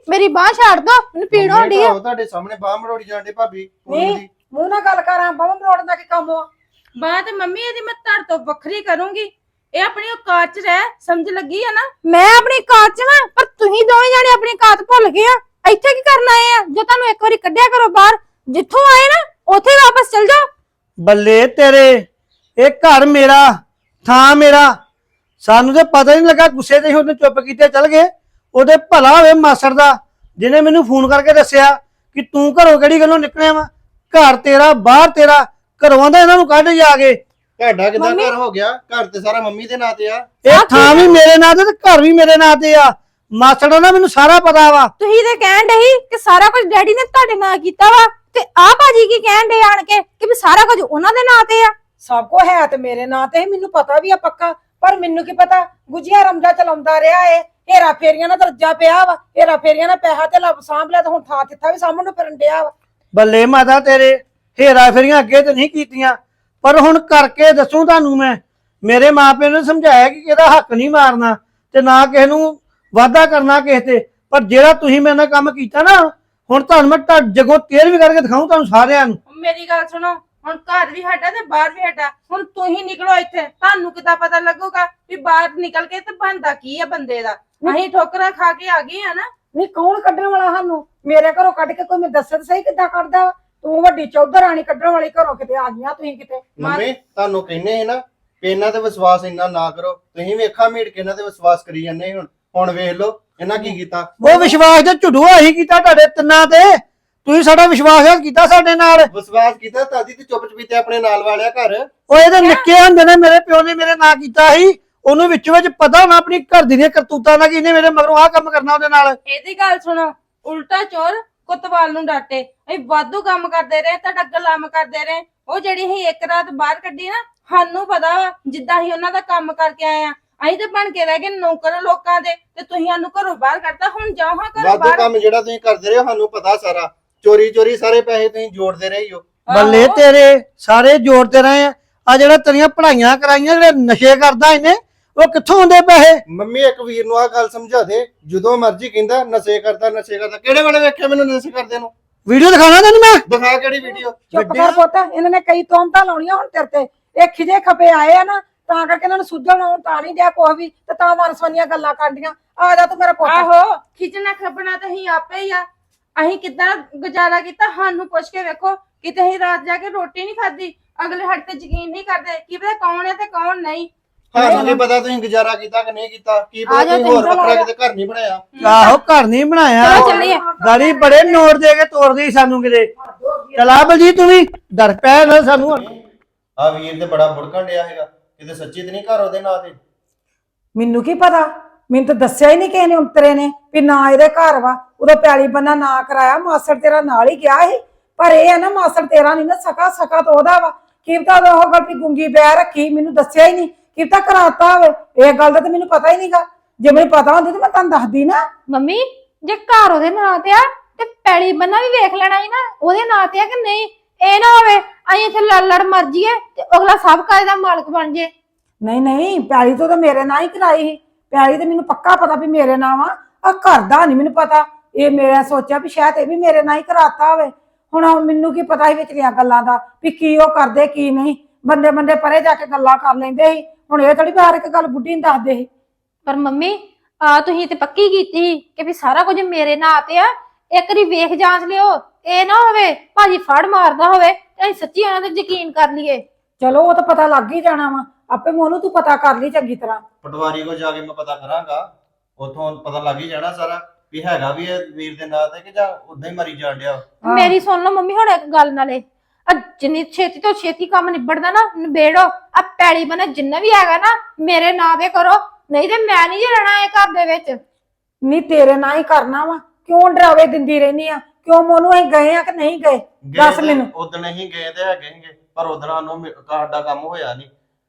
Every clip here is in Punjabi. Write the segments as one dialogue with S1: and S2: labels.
S1: ਮੇਰੀ ਬਾਹ ਛੱਡ ਦੋ, ਮੈਨੂੰ ਪੀੜ ਹੁੰਦੀ ਆ।
S2: ਤੁਹਾਡੇ ਸਾਹਮਣੇ ਬਾਹ ਮਰੋੜੀ ਜਾਂਦੇ ਭਾਬੀ
S3: ਨਹੀਂ ਮੂੰਹ ਨਾਲ ਗੱਲ ਕਰਾਂ, ਬਾਹ ਮਰੋੜਨ ਦਾ ਕੀ ਕੰਮ ਆ?
S4: ਬਾਹ ਤੇ ਮੰਮੀ ਇਹਦੀ ਮੈਂ ਤੁਹਾਡੇ ਤੋਂ ਵੱਖਰੀ ਕਰੂੰਗੀ। ਇਹ ਆਪਣੀ ਔਕਾਤ ਚ ਰਹਿ, ਸਮਝ ਲੱਗੀ ਆ ਨਾ?
S1: ਮੈਂ ਆਪਣੀ ਕਾਤ ਚ ਵਾਂ, ਪਰ ਤੁਸੀਂ ਦੋਵੇਂ ਜਾਣੇ ਆਪਣੀ ਕਾਤ ਭੁੱਲ ਗਏ ਆ। ਇੱਥੇ ਕੀ ਕਰਨ ਆਏ ਆ? ਜੋ ਤੁਹਾਨੂੰ ਇੱਕ ਵਾਰੀ ਕੱਢਿਆ ਕਰੋ ਬਾਹਰ, ਜਿੱਥੋਂ ਆਏ ਨਾ ਉੱਥੇ ਵਾਪਸ ਚਲ ਜਾਓ।
S5: ਬੱਲੇ ਤੇਰੇ, ਇਹ ਘਰ ਮੇਰਾ, ਥਾਂ ਮੇਰਾ। ਸਾਨੂੰ ਤੇ ਪਤਾ ਨਹੀਂ ਲੱਗਾ, ਗੁੱਸੇ ਤੇ ਉਹਨੇ ਚੁੱਪ ਕੀਤੇ ਚਲ ਗਏ। ਉਹਦੇ ਭਲਾ ਹੋਵੇ ਮਾਸੜ ਦਾ, ਜਿਹਨੇ ਮੈਨੂੰ ਫੋਨ ਕਰਕੇ ਦੱਸਿਆ ਕਿ ਤੂੰ ਘਰੋਂ ਕਿਹੜੀ ਗੱਲੋਂ ਨਿਕਲਿਆ ਵਾ। ਘਰ ਤੇਰਾ, ਬਾਹਰ ਤੇਰਾ, ਘਰੋਂ ਦਾ ਇਹਨਾਂ ਨੂੰ ਕੱਢ ਜਾ ਕੇ।
S2: ਤੁਹਾਡਾ ਕਿਦਾਂ ਘਰ ਹੋ ਗਿਆ? ਘਰ ਤੇ ਸਾਰਾ ਮੰਮੀ ਦੇ ਨਾਂ ਤੇ ਆ।
S5: ਇਹ ਥਾਂ ਵੀ ਮੇਰੇ ਨਾਂ ਤੇ ਤੇ ਘਰ ਵੀ ਮੇਰੇ ਨਾਂ ਤੇ ਆ। ਮਾਸੜ ਦਾ ਮੈਨੂੰ ਸਾਰਾ ਪਤਾ ਵਾ।
S1: ਤੁਸੀਂ ਤੇ ਕਹਿਣ ਡਏ ਸੀ ਕਿ ਸਾਰਾ ਕੁਝ ਡੈਡੀ ਨੇ ਤੁਹਾਡੇ ਨਾਂ ਕੀਤਾ ਵਾ, ਤੇ ਆਹ ਭਾਜੀ ਕੀ ਕਹਿਣ ਡਏ ਆਣ ਕੇ ਕਿ ਵੀ ਸਾਰਾ ਕੁਝ ਉਹਨਾਂ ਦੇ ਨਾਂ ਤੇ ਆ।
S3: ਸਭ ਕੋ ਹੈ ਤੇ ਮੇਰੇ ਨਾਂ ਤੇ, ਮੈਨੂੰ ਪਤਾ ਵੀ ਆ ਪੱਕਾ, ਪਰ ਮੈਨੂੰ ਕੀ ਪਤਾ ਗੁਜੀਆ ਰਮਦਾ ਚਲਾਉਂਦਾ ਰਿਹਾ ਏ। ਹੇਰਾ ਫੇਰੀਆਂ ਨਾਲ ਦਰਜਾ ਪਿਆ ਵਾ, ਹੇਰਾ ਫੇਰੀਆਂ ਨਾਲ ਪੈਸਾ ਤੇ ਲੱਭ ਸਾਂਭ ਲਿਆ, ਤੇ ਹੁਣ ਥਾਂ ਤਿੱਥਾ ਵੀ ਸਾਂਭਣ ਨੂੰ ਫਿਰਨ ਡਿਆ ਵਾ।
S5: ਬੱਲੇ ਮਾਤਾ ਤੇਰੇ, ਹੇਰਾ ਫੇਰੀਆਂ ਅੱਗੇ ਤੇ ਨਹੀਂ ਕੀਤੀਆਂ, ਪਰ ਹੁਣ ਕਰਕੇ ਦੱਸੂ ਤੁਹਾਨੂੰ ਮੈਂ। ਮੇਰੇ ਮਾਪਿਆਂ ਨੇ ਸਮਝਾਇਆ ਕਿ ਇਹਦਾ ਹੱਕ ਨਹੀਂ ਮਾਰਨਾ ਤੇ ਨਾ ਕਿਸੇ ਨੂੰ ਵਾਅਦਾ ਕਰਨਾ ਕਿਸੇ ਤੇ। ਪਰ ਜਿਹੜਾ ਤੁਸੀਂ ਮੇਰੇ ਨਾਲ ਕੰਮ ਕੀਤਾ ਨਾ, ਹੁਣ ਤੁਹਾਨੂੰ ਮੈਂ ਜਗੋਂ ਤੇਰ ਵੀ ਕਰਕੇ ਦਿਖਾਉਂ ਤੁਹਾਨੂੰ ਸਾਰਿਆਂ ਨੂੰ।
S4: ਮੇਰੀ ਗੱਲ ਸੁਣੋ, ਹੁਣ ਘਰ ਵੀ ਸਾਡਾ ਤੇ ਬਾਹਰ ਵੀ ਸਾਡਾ। ਹੁਣ ਤੁਸੀਂ ਨਿਕਲੋ ਇੱਥੇ, ਤੁਹਾਨੂੰ ਕਿੱਦਾਂ ਪਤਾ ਲੱਗੂਗਾ ਵੀ ਬਾਹਰ ਨਿਕਲ ਕੇ ਤੇ ਬਣਦਾ ਕੀ ਆ ਬੰਦੇ ਦਾ। ਅਸੀਂ ਠੋਕਰਾਂ ਖਾ ਕੇ ਆ ਗਏ ਆ ਨਾ।
S3: ਨਹੀਂ ਕੌਣ ਕੱਢਣ ਵਾਲਾ ਸਾਨੂੰ? ਮੇਰੇ ਘਰੋਂ ਕੱਢ ਕੇ ਕੋਈ ਮੈਂ ਦੱਸੇ ਤਾਂ ਸਹੀ ਕਿੱਦਾਂ ਕੱਢਦਾ ਵਾ? ਤੂੰ ਵੱਡੀ ਚੌਧਰ ਰਾਣੀ ਕੱਢਣ ਵਾਲੀ ਘਰੋਂ ਕਿਤੇ ਆ ਗਈਆਂ ਤੁਸੀਂ ਕਿਤੇ।
S2: ਮੰਮੀ ਤੁਹਾਨੂੰ ਕਹਿੰਨੇ ਹੈ ਨਾ ਕਿ ਇਹਨਾਂ ਤੇ ਵਿਸ਼ਵਾਸ ਇੰਨਾ ਨਾ ਕਰੋ। ਤੁਸੀਂ ਵੀ ਅੱਖਾਂ ਮੀਟ ਕੇ ਇਹਨਾਂ ਤੇ ਵਿਸ਼ਵਾਸ ਕਰੀ ਜਾਂਦੇ। ਹੁਣ ਵੇਖ ਲਓ ਇਹਨਾਂ ਕੀ ਕੀਤਾ।
S5: ਉਹ ਵਿਸ਼ਵਾਸ ਤੇ ਝੁੱਡੂਆ ਹੀ ਕੀਤਾ ਤੁਹਾਡੇ ਤਿੰਨਾਂ ਤੇ। ਤੁਸੀਂ ਸਾਡਾ ਵਿਸ਼ਵਾਸ ਕੀਤਾ ਸਾਡੇ ਨਾਲ।
S2: ਵਿਸ਼ਵਾਸ ਕੀਤਾ ਤਾਦੀ ਤੇ ਚੁੱਪ ਚਪੀਤੇ ਆਪਣੇ ਨਾਲ ਵਾਲਿਆ ਘਰ।
S5: ਉਹ ਇਹਦੇ ਨਿੱਕੇ ਹੁੰਦੇ ਨੇ ਮੇਰੇ ਪਿਓ ਨੇ ਮੇਰੇ ਨਾਂ ਕੀਤਾ ਸੀ। ਉਹਨੂੰ ਵਿੱਚ ਪਤਾ ਹੋਣਾ ਆਪਣੀ ਘਰ ਦੀਆਂ ਕਰਤੂਤਾਂ ਦਾ ਕਿ ਇਹਨੇ ਮੇਰੇ ਮਗਰੋਂ ਆਹ ਕੰਮ ਕਰਨਾ ਉਹਦੇ ਨਾਲ।
S4: ਇਹਦੀ ਗੱਲ ਸੁਣੋ, ਉਲਟਾ ਚੋਰ ਕੁੱਤਵਾਲ ਨੂੰ ਡਾਟੇ। ਅਸੀਂ ਵਾਧੂ ਕੰਮ ਕਰਦੇ ਰਹੇ, ਤੁਹਾਡਾ ਗੁਲਾਮ ਕਰਦੇ ਰਹੇ। ਉਹ ਜਿਹੜੀ ਅਸੀਂ ਇੱਕ ਰਾਤ ਬਾਹਰ ਕੱਢੀ ਨਾ, ਸਾਨੂੰ ਪਤਾ ਵਾ ਜਿੱਦਾਂ ਅਸੀਂ ਉਹਨਾਂ ਦਾ ਕੰਮ ਕਰਕੇ ਆਏ ਆ। ਅਸੀਂ ਤੇ ਬਣ ਕੇ ਰਹਿ ਗਏ ਨੌਕਰ ਲੋਕਾਂ ਦੇ, ਤੇ ਤੁਸੀਂ ਸਾਨੂੰ ਘਰੋਂ ਬਾਹਰ ਕੱਢਤਾ। ਹੁਣ ਜਾਓ ਹਾਂ ਘਰੋਂ
S2: ਵਾਧੂ
S4: ਬਾਹਰ।
S2: ਕੰਮ ਜਿਹੜਾ ਤੁਸੀਂ ਕਰਦੇ ਰਹੇ ਹੋ ਸਾਨੂੰ ਪਤਾ ਸਾਰਾ। ਚੋਰੀ ਚੋਰੀ ਸਾਰੇ ਪੈਸੇ ਤੁਸੀਂ ਜੋੜਦੇ ਰਹੇ ਹੋ।
S5: ਬੱਲੇ ਤੇਰੇ, ਸਾਰੇ ਜੋੜਦੇ ਰਹੇ ਆ ਜਿਹੜਾ ਤੇਰੀਆਂ ਪੜ੍ਹਾਈਆਂ ਕਰਾਈਆਂ, ਜਿਹੜੇ ਨਸ਼ੇ ਕਰਦਾ ਇਹਨੇ, ਉਹ ਕਿੱਥੋਂ ਆਉਂਦੇ ਪੈਸੇ?
S2: ਮੰਮੀ ਇੱਕ ਵੀਰ ਨੂੰ ਆਹ ਗੱਲ ਸਮਝਾ ਦੇ, ਜਦੋਂ ਮਰਜ਼ੀ ਕਹਿੰਦਾ ਨਸ਼ੇ ਕਰਦਾ ਨਸ਼ੇ ਕਰਦਾ। ਕਿਹੜੇ ਵੇਲੇ ਵੇਖਿਆ ਮੈਨੂੰ ਨਸ਼ੇ ਕਰਦੇ ਨੂੰ?
S5: ਵੀਡੀਓ ਦਿਖਾਣਾ ਤੈਨੂੰ ਮੈਂ।
S2: ਦਿਖਾ ਕਿਹੜੀ ਵੀਡੀਓ?
S3: ਚੁੱਪ ਕਰ ਪੁੱਤ, ਇਹਨਾਂ ਨੇ ਕਈ ਤੋਮਤਾਂ ਲਾਉਣੀਆਂ ਹੁਣ ਤੇਰੇ ਤੇ। ਇਹ ਖਿਜੇ ਖਪੇ ਆਏ ਆ ਨਾ, ਤਾਂ ਕਰਕੇ ਇਹਨਾਂ ਨੂੰ ਸੁਝਣ ਆਉਣ ਤਾਂ ਨਹੀਂ ਦਿਆ ਕੁਛ ਵੀ, ਤੇ ਤਾਂ ਮਨਸਵਨੀਆਂ ਗੱਲਾਂ ਕਰਦੀਆਂ। ਆ ਜਾ ਤੂੰ ਮੇਰਾ ਪੁੱਤ।
S4: ਆਹੋ, ਖਿੱਚਣਾ ਖੱਬਣਾ ਤਾਂ ਅਸੀਂ ਆਪੇ ਹੀ ਆ। ਅਸੀਂ ਕਿੱਦਾਂ ਗੁਜ਼ਾਰਾ ਕੀਤਾ ਸਾਨੂੰ ਪੁੱਛ ਕੇ ਵੇਖੋ। ਕਿਤੇ ਅਸੀਂ ਰਾਤ ਜਾ ਕੇ ਰੋਟੀ ਨਹੀਂ ਖਾਧੀ। ਅਗਲੇ ਸਾਡੇ ਤੇ ਯਕੀਨ ਨਹੀਂ ਕਰਦੇ ਕੀ ਪਤਾ ਕੌਣ ਹੈ ਤੇ ਕੌਣ ਨਹੀਂ।
S2: ਹਾਂ ਨਹੀਂ ਪਤਾ ਤੁਸੀਂ ਗੁਜ਼ਾਰਾ ਕੀਤਾ ਕਿ ਨਹੀਂ ਕੀਤਾ। ਕੀ ਪਤਾ ਤੁਸੀਂ ਹੋਰ ਵੱਖਰਾ ਕਿਤੇ ਘਰ ਨਹੀਂ ਬਣਾਇਆ।
S5: ਆਹੋ ਘਰ ਨਹੀਂ ਬਣਾਇਆ।
S1: ਚਲੋ ਚੱਲੀਏ।
S5: ਗਾੜੀ ਬੜੇ ਨੋਟ ਦੇ ਕੇ ਤੋੜਦੀ ਸਾਨੂੰ ਕਿਤੇ। ਚਲਾ ਬਲਜੀਤ ਤੂੰ ਵੀ ਡਰ ਪੈ ਨਾ ਸਾਨੂੰ।
S2: ਆ ਵੀਰ ਤੇ ਬੜਾ ਬੁੜਕਣ ਡਿਆ ਹੈਗਾ, ਕਿਤੇ ਸੱਚੀ ਤੇ ਨਹੀਂ ਘਰ ਉਹਦੇ ਨਾਂ ਤੇ।
S3: ਮੈਨੂੰ ਕੀ ਪਤਾ, ਮੈਨੂੰ ਤਾਂ ਦੱਸਿਆ ਹੀ ਨਹੀਂ ਕਿਸੇ ਨੇ ਉਤਰੇ ਨੇ ਵੀ ਨਾ ਇਹਦੇ ਘਰ ਵਾ। ਉਦੋਂ ਪੈਲੀ ਬੰਨਾ ਨਾ ਕਰਾਇਆ, ਮਾਸੜ ਤੇਰਾ ਨਾਲ ਹੀ ਗਿਆ ਸੀ। ਪਰ ਇਹ ਹੈ ਨਾ, ਮਾਸੜ ਤੇਰਾ ਨਹੀਂ ਨਾ ਸਕਾ, ਸਕਾ ਤਾਂ ਉਹਦਾ ਵਾ। ਕੀ ਪਤਾ ਉਹ ਗੱਲ ਵੀ ਗੁੰਗੀ ਬੈ ਰੱਖੀ, ਮੈਨੂੰ ਦੱਸਿਆ ਹੀ ਨਹੀਂ। ਕੀ ਪਤਾ ਕਰਾਤਾ ਹੋਵੇ। ਇਹ ਗੱਲ ਦਾ ਤਾਂ ਮੈਨੂੰ ਪਤਾ ਹੀ ਨਹੀਂਗਾ। ਜੇ ਮੈਨੂੰ ਪਤਾ ਹੁੰਦੀ ਤਾਂ ਮੈਂ ਤੁਹਾਨੂੰ ਦੱਸਦੀ ਨਾ।
S1: ਮੰਮੀ ਜੇ ਘਰ ਉਹਦੇ ਨਾਂ ਤੇ ਆ ਤੇ ਪੈਲੀ ਬੰਨਾ ਵੀ ਵੇਖ ਲੈਣਾ ਸੀ ਨਾ ਉਹਦੇ ਨਾਂ ਤੇ ਆ ਕਿ ਨਹੀਂ। ਇਹ ਨਾ ਹੋਵੇ ਅਸੀਂ ਇੱਥੇ ਲੜ ਮਰ ਜੀਏ ਤੇ ਅਗਲਾ ਸਭ ਕਾਜ ਦਾ ਮਾਲਕ ਬਣ ਜੇ।
S3: ਨਹੀਂ ਨਹੀਂ, ਪੈਲੀ ਤੋਂ ਤਾਂ ਮੇਰੇ ਨਾਂ ਹੀ ਕਰਾਈ ਸੀ। ਪੈਲੀ ਤੇ ਮੈਨੂੰ ਪੱਕਾ ਪਤਾ ਵੀ ਮੇਰੇ ਨਾਂ ਵਾ। ਆ ਘਰ ਦਾ ਨਹੀਂ ਮੈਨੂੰ ਪਤਾ। ਇਹ ਮੇਰਾ ਸੋਚਿਆ ਵੀ ਸ਼ਾਇਦ ਇਹ ਵੀ ਮੇਰੇ ਨਾਂ ਹੀ ਕਰਾਤਾ ਹੋਵੇ। ਹੁਣ ਮੈਨੂੰ ਕੀ ਪਤਾ ਸੀ ਵਿਚਲੀਆਂ ਗੱਲਾਂ ਦਾ ਵੀ ਕੀ ਉਹ ਕਰਦੇ ਕੀ ਨਹੀਂ। ਬੰਦੇ ਬੰਦੇ ਪਰੇ ਜਾ ਕੇ ਗੱਲਾਂ ਕਰ ਲੈਂਦੇ ਸੀ। ਹੁਣ ਇਹ ਥੋੜੀ ਬਾਹਰ ਇੱਕ ਗੱਲ ਬੁੱਢੀ ਨੂੰ ਦੱਸਦੇ ਸੀ।
S1: ਪਰ ਮੰਮੀ ਆ ਤੁਸੀਂ ਤੇ ਪੱਕੀ ਕੀਤੀ ਸੀ ਕਿ ਵੀ ਸਾਰਾ ਕੁਝ ਮੇਰੇ ਨਾਂ ਤੇ ਆ। ਇੱਕ ਵਾਰੀ ਵੇਖ ਜਾਂਚ ਲਿਓ, ਇਹ ਨਾ ਹੋਵੇ ਭਾਜੀ ਫੜ ਮਾਰਦਾ ਹੋਵੇ ਤੇ ਅਸੀਂ ਸੱਚੀ ਉਹਨਾਂ ਤੇ ਯਕੀਨ ਕਰ ਲਈਏ।
S3: ਚਲੋ ਉਹ ਤਾਂ ਪਤਾ ਲੱਗ ਹੀ ਜਾਣਾ ਵਾ ਆਪੇ। ਮੋਨੂੰ ਤੂੰ ਪਤਾ ਕਰ ਲਈ ਚੰਗੀ ਤਰ੍ਹਾਂ।
S2: ਪਟਵਾਰੀ ਕੋ ਜਾ ਕੇ ਮੈਂ ਪਤਾ ਕਰਾਂਗਾ, ਉਥੋਂ ਪਤਾ ਲੱਗ ਹੀ ਜਾਣਾ ਸਾਰਾ ਵੀ ਹੈਗਾ ਵੀ ਇਹ ਵੀਰ ਦੇ ਨਾਂ ਤੇ ਕਿ ਜਾਂ ਉਦਾਂ ਹੀ ਮਰੀ ਜਾਣ ਡਿਆ।
S1: ਮੇਰੀ ਸੁਣ ਲਓ ਮੰਮੀ ਹੁਣ ਇੱਕ ਗੱਲ ਨਾਲੇ, ਜਿੰਨੀ ਛੇਤੀ ਤੋਂ ਛੇਤੀ ਕੰਮ ਨਿਬੜਦਾ ਨਾ ਨਿਬੇੜੋ। ਆ ਪੈਲੀ ਬਣਾ ਜਿੰਨਾ ਵੀ ਹੈਗਾ ਨਾ ਮੇਰੇ ਨਾਂ ਤੇ ਕਰੋ, ਨਹੀਂ ਤੇ ਮੈਂ ਨਹੀਂ ਰਹਿਣਾ ਇਹ ਘਰ ਦੇ ਵਿੱਚ।
S3: ਨਹੀਂ ਤੇਰੇ ਨਾਲ ਹੀ ਕਰਨਾ ਵਾ। ਕਿਉਂ ਡਰਾਵੇ ਦਿੰਦੀ ਰਹਿਨੀ ਆ? ਕਿਉਂ ਮੋਨੂੰ ਅਸੀਂ ਗਏ ਆ ਕਿ ਨਹੀਂ ਗਏ? ਦੱਸ ਮੈਨੂੰ।
S2: ਉਦੋਂ ਹੀ ਗਏ ਤੇ ਹੈਗੇ ਸੀਗੇ, ਪਰ ਉਦੋਂ ਨੂੰ ਸਾਡਾ ਕੰਮ ਹੋਇਆ ਨਹੀਂ।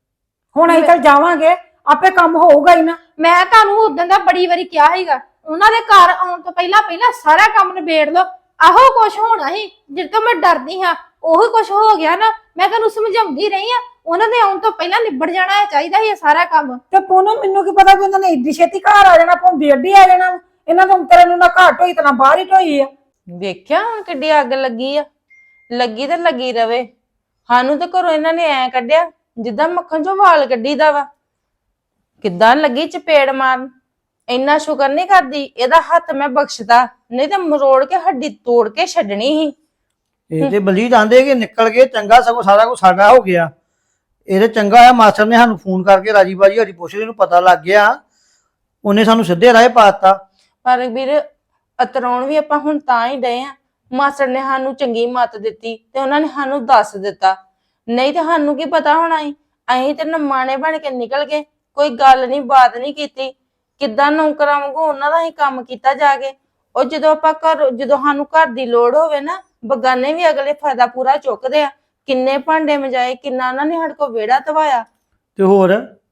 S3: ਹੁਣ ਅਸੀਂ ਤਾਂ ਜਾਵਾਂਗੇ, ਆਪੇ ਕੰਮ ਹੋਊਗਾ ਹੀ ਨਾ।
S1: ਮੈਂ ਤੁਹਾਨੂੰ ਉਦੋਂ ਦਾ ਬੜੀ ਵਾਰੀ ਕਿਹਾ ਸੀਗਾ ਉਹਨਾਂ ਦੇ ਘਰ ਆਉਣ ਤੋਂ ਪਹਿਲਾਂ ਸਾਰਾ ਕੰਮ ਨਿਬੇੜ ਲਓ। ਆਹੋ ਕੁਛ ਹੋਣਾ ਸੀ ਜਿੱਦ ਤੋਂ ਮੈਂ ਡਰਦੀ ਹਾਂ, ਉਹੀ ਕੁਛ ਹੋ ਗਿਆ ਨਾ। ਮੈਂ ਤੁਹਾਨੂੰ ਸਮਝਾਉਂਦੀ ਰਹੀ ਆ, ਉਹਨਾਂ ਦੇ ਆਉਣ ਤੋਂ ਪਹਿਲਾਂ ਨਿਬੜ ਜਾਣਾ ਚਾਹੀਦਾ ਸੀ ਇਹ ਸਾਰਾ ਕੰਮ।
S3: ਤੇ ਪੂਨਮ ਮੈਨੂੰ ਕੀ ਪਤਾ ਵੀ ਉਹਨਾਂ ਨੇ ਇੱਡੀ ਛੇਤੀ ਘਰ ਆ ਜਾਣਾ, ਭੁੰਦੀ ਅੱਡੀ ਆ ਜਾਣਾ। ਇਹਨਾਂ ਤੋਂ ਤੇਰੇ ਨੂੰ ਨਾ ਘਾਟ ਹੋਈ ਤੇ ਨਾ ਬਾਹਰ ਹੀ ਢੋਈ ਆ।
S4: ਵੇਖਿਆ ਹੁਣ ਕਿੱਡੀ ਅੱਗ ਲੱਗੀ ਆ, ਲੱਗੀ ਤੇ ਲੱਗੀ ਰਵੇ। ਸਾਨੂੰ ਤੇ ਘਰੋਂ ਇਹਨਾਂ ਨੇ ਐ ਕੱਢਿਆ ਜਿੱਦਾਂ ਮੱਖਣ ਚੋਂ ਵਾਲ ਕੱਢੀਦਾ ਵਾ। ਕਿੱਦਾਂ ਲੱਗੀ ਚਪੇੜ ਮਾਰਨ। ਇੰਨਾ ਸ਼ੁਕਰ ਨਹੀਂ ਕਰਦੀ ਇਹਦਾ ਹੱਥ ਮੈਂ ਬਖਸ਼ਦਾ, ਨਹੀਂ ਤੇ ਮਰੋੜ ਕੇ ਹੱਡੀ ਤੋੜ ਕੇ ਛੱਡਣੀ ਸੀ।
S5: ਇਹ ਤੇ ਬਲੀ ਜਾਂਦੇ ਕਿ ਨਿਕਲ ਗਏ ਚੰਗਾ, ਸਗੋਂ ਸਾਰਾ ਕੁਝ ਸਾਡਾ ਹੋ ਗਿਆ। ਇਹਦੇ ਚੰਗਾ ਆ ਮਾਸਟਰ ਨੇ ਸਾਨੂੰ ਫੋਨ ਕਰਕੇ ਰਾਜੀ ਬਾਜੀ ਸਾਡੀ ਪੁੱਛ ਲਈ, ਨੂੰ ਪਤਾ ਲੱਗ ਗਿਆ, ਉਹਨੇ ਸਾਨੂੰ ਸਿੱਧੇ ਰਾਹ ਪਾਤਾ।
S4: ਪਰ ਵੀਰ ਅਤਰਾਉਣ ਵੀ ਆਪਾਂ ਹੁਣ ਤਾਂ ਹੀ ਡਏ ਆ, ਮਾਸਟਰ ਨੇ ਸਾਨੂੰ ਚੰਗੀ ਮੱਤ ਦਿੱਤੀ ਤੇ ਉਹਨਾਂ ਨੇ ਸਾਨੂੰ ਦੱਸ ਦਿੱਤਾ, ਨਹੀਂ ਤੇ ਸਾਨੂੰ ਕੀ ਪਤਾ ਹੋਣਾ ਸੀ। ਅਸੀਂ ਤੇ ਨਮਾਣੇ ਬਣ ਕੇ ਨਿਕਲ ਗਏ, ਕੋਈ ਗੱਲ ਨਹੀਂ ਬਾਤ ਨਹੀਂ ਕੀਤੀ। ਕਿੱਦਾਂ ਨੌਕਰਾਂ ਵਾਂਗੂ ਉਹਨਾਂ ਦਾ ਹੀ ਕੰਮ ਕੀਤਾ ਜਾ ਕੇ। ਉਹ ਜਦੋਂ ਸਾਨੂੰ ਘਰ ਦੀ ਲੋੜ ਹੋਵੇ ਨਾ, ਬਗਾਨੇ ਵੀ ਅਗਲੇ ਫਾਇਦਾ ਪੂਰਾ ਚੁੱਕਦੇ ਆ। ਕਿੰਨੇ ਭਾਂਡੇ ਮਜਾਏ, ਕਿੰਨਾ ਉਹਨਾਂ ਨੇ ਸਾਡੇ ਕੋਲ ਵਿਹੜਾ ਧਵਾਇਆ।
S5: ਤੇ ਹੋਰ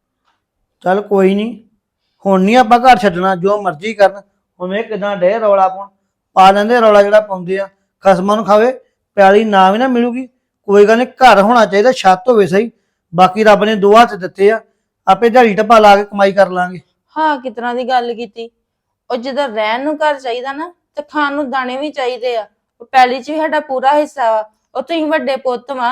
S5: ਚੱਲ ਕੋਈ ਨਹੀਂ, ਹੁਣ ਨਹੀਂ ਆਪਾਂ ਘਰ ਛੱਡਣਾ, ਜੋ ਮਰਜ਼ੀ ਕਰਨ। ਹੁਣ ਇਹ ਕਿਦਾਂ ਡੇ ਰੌਲਾ ਪਾ ਲੈਂਦੇ, ਰੌਲਾ ਜਿਹੜਾ ਪਾਉਂਦੇ ਆ ਖਸਮਾਂ ਨੂੰ ਖਾਵੇ। ਪਿਆਲੀ ਨਾ ਵੀ ਨਾ ਮਿਲੂਗੀ ਕੋਈ ਗੱਲ ਨਹੀਂ, ਘਰ ਹੋਣਾ ਚਾਹੀਦਾ, ਛੱਤ ਹੋਵੇ ਸਹੀ। ਬਾਕੀ ਰੱਬ ਨੇ 2 ਹੱਥ ਦਿੱਤੇ ਆ, ਆਪੇ ਦਿਹਾੜੀ ਟੱਪਾ ਲਾ ਕੇ ਕਮਾਈ ਕਰ ਲਾਂਗੇ।
S4: ਹਾਂ ਕਿਸ ਤਰ੍ਹਾਂ ਦੀ ਗੱਲ ਕੀਤੀ। ਉਹ ਜਦੋਂ ਰਹਿਣ ਨੂੰ ਘਰ ਚਾਹੀਦਾ ਨਾ, ਤੇ ਖਾਣ ਨੂੰ ਦਾਣੇ ਵੀ ਚਾਹੀਦੇ ਆ। ਉਹ ਪੈਲੀ 'ਚ ਵੀ ਸਾਡਾ ਪੂਰਾ ਹਿੱਸਾ ਵਾ। ਉਹ ਤੁਸੀਂ ਵੱਡੇ ਪੁੱਤ ਵਾ।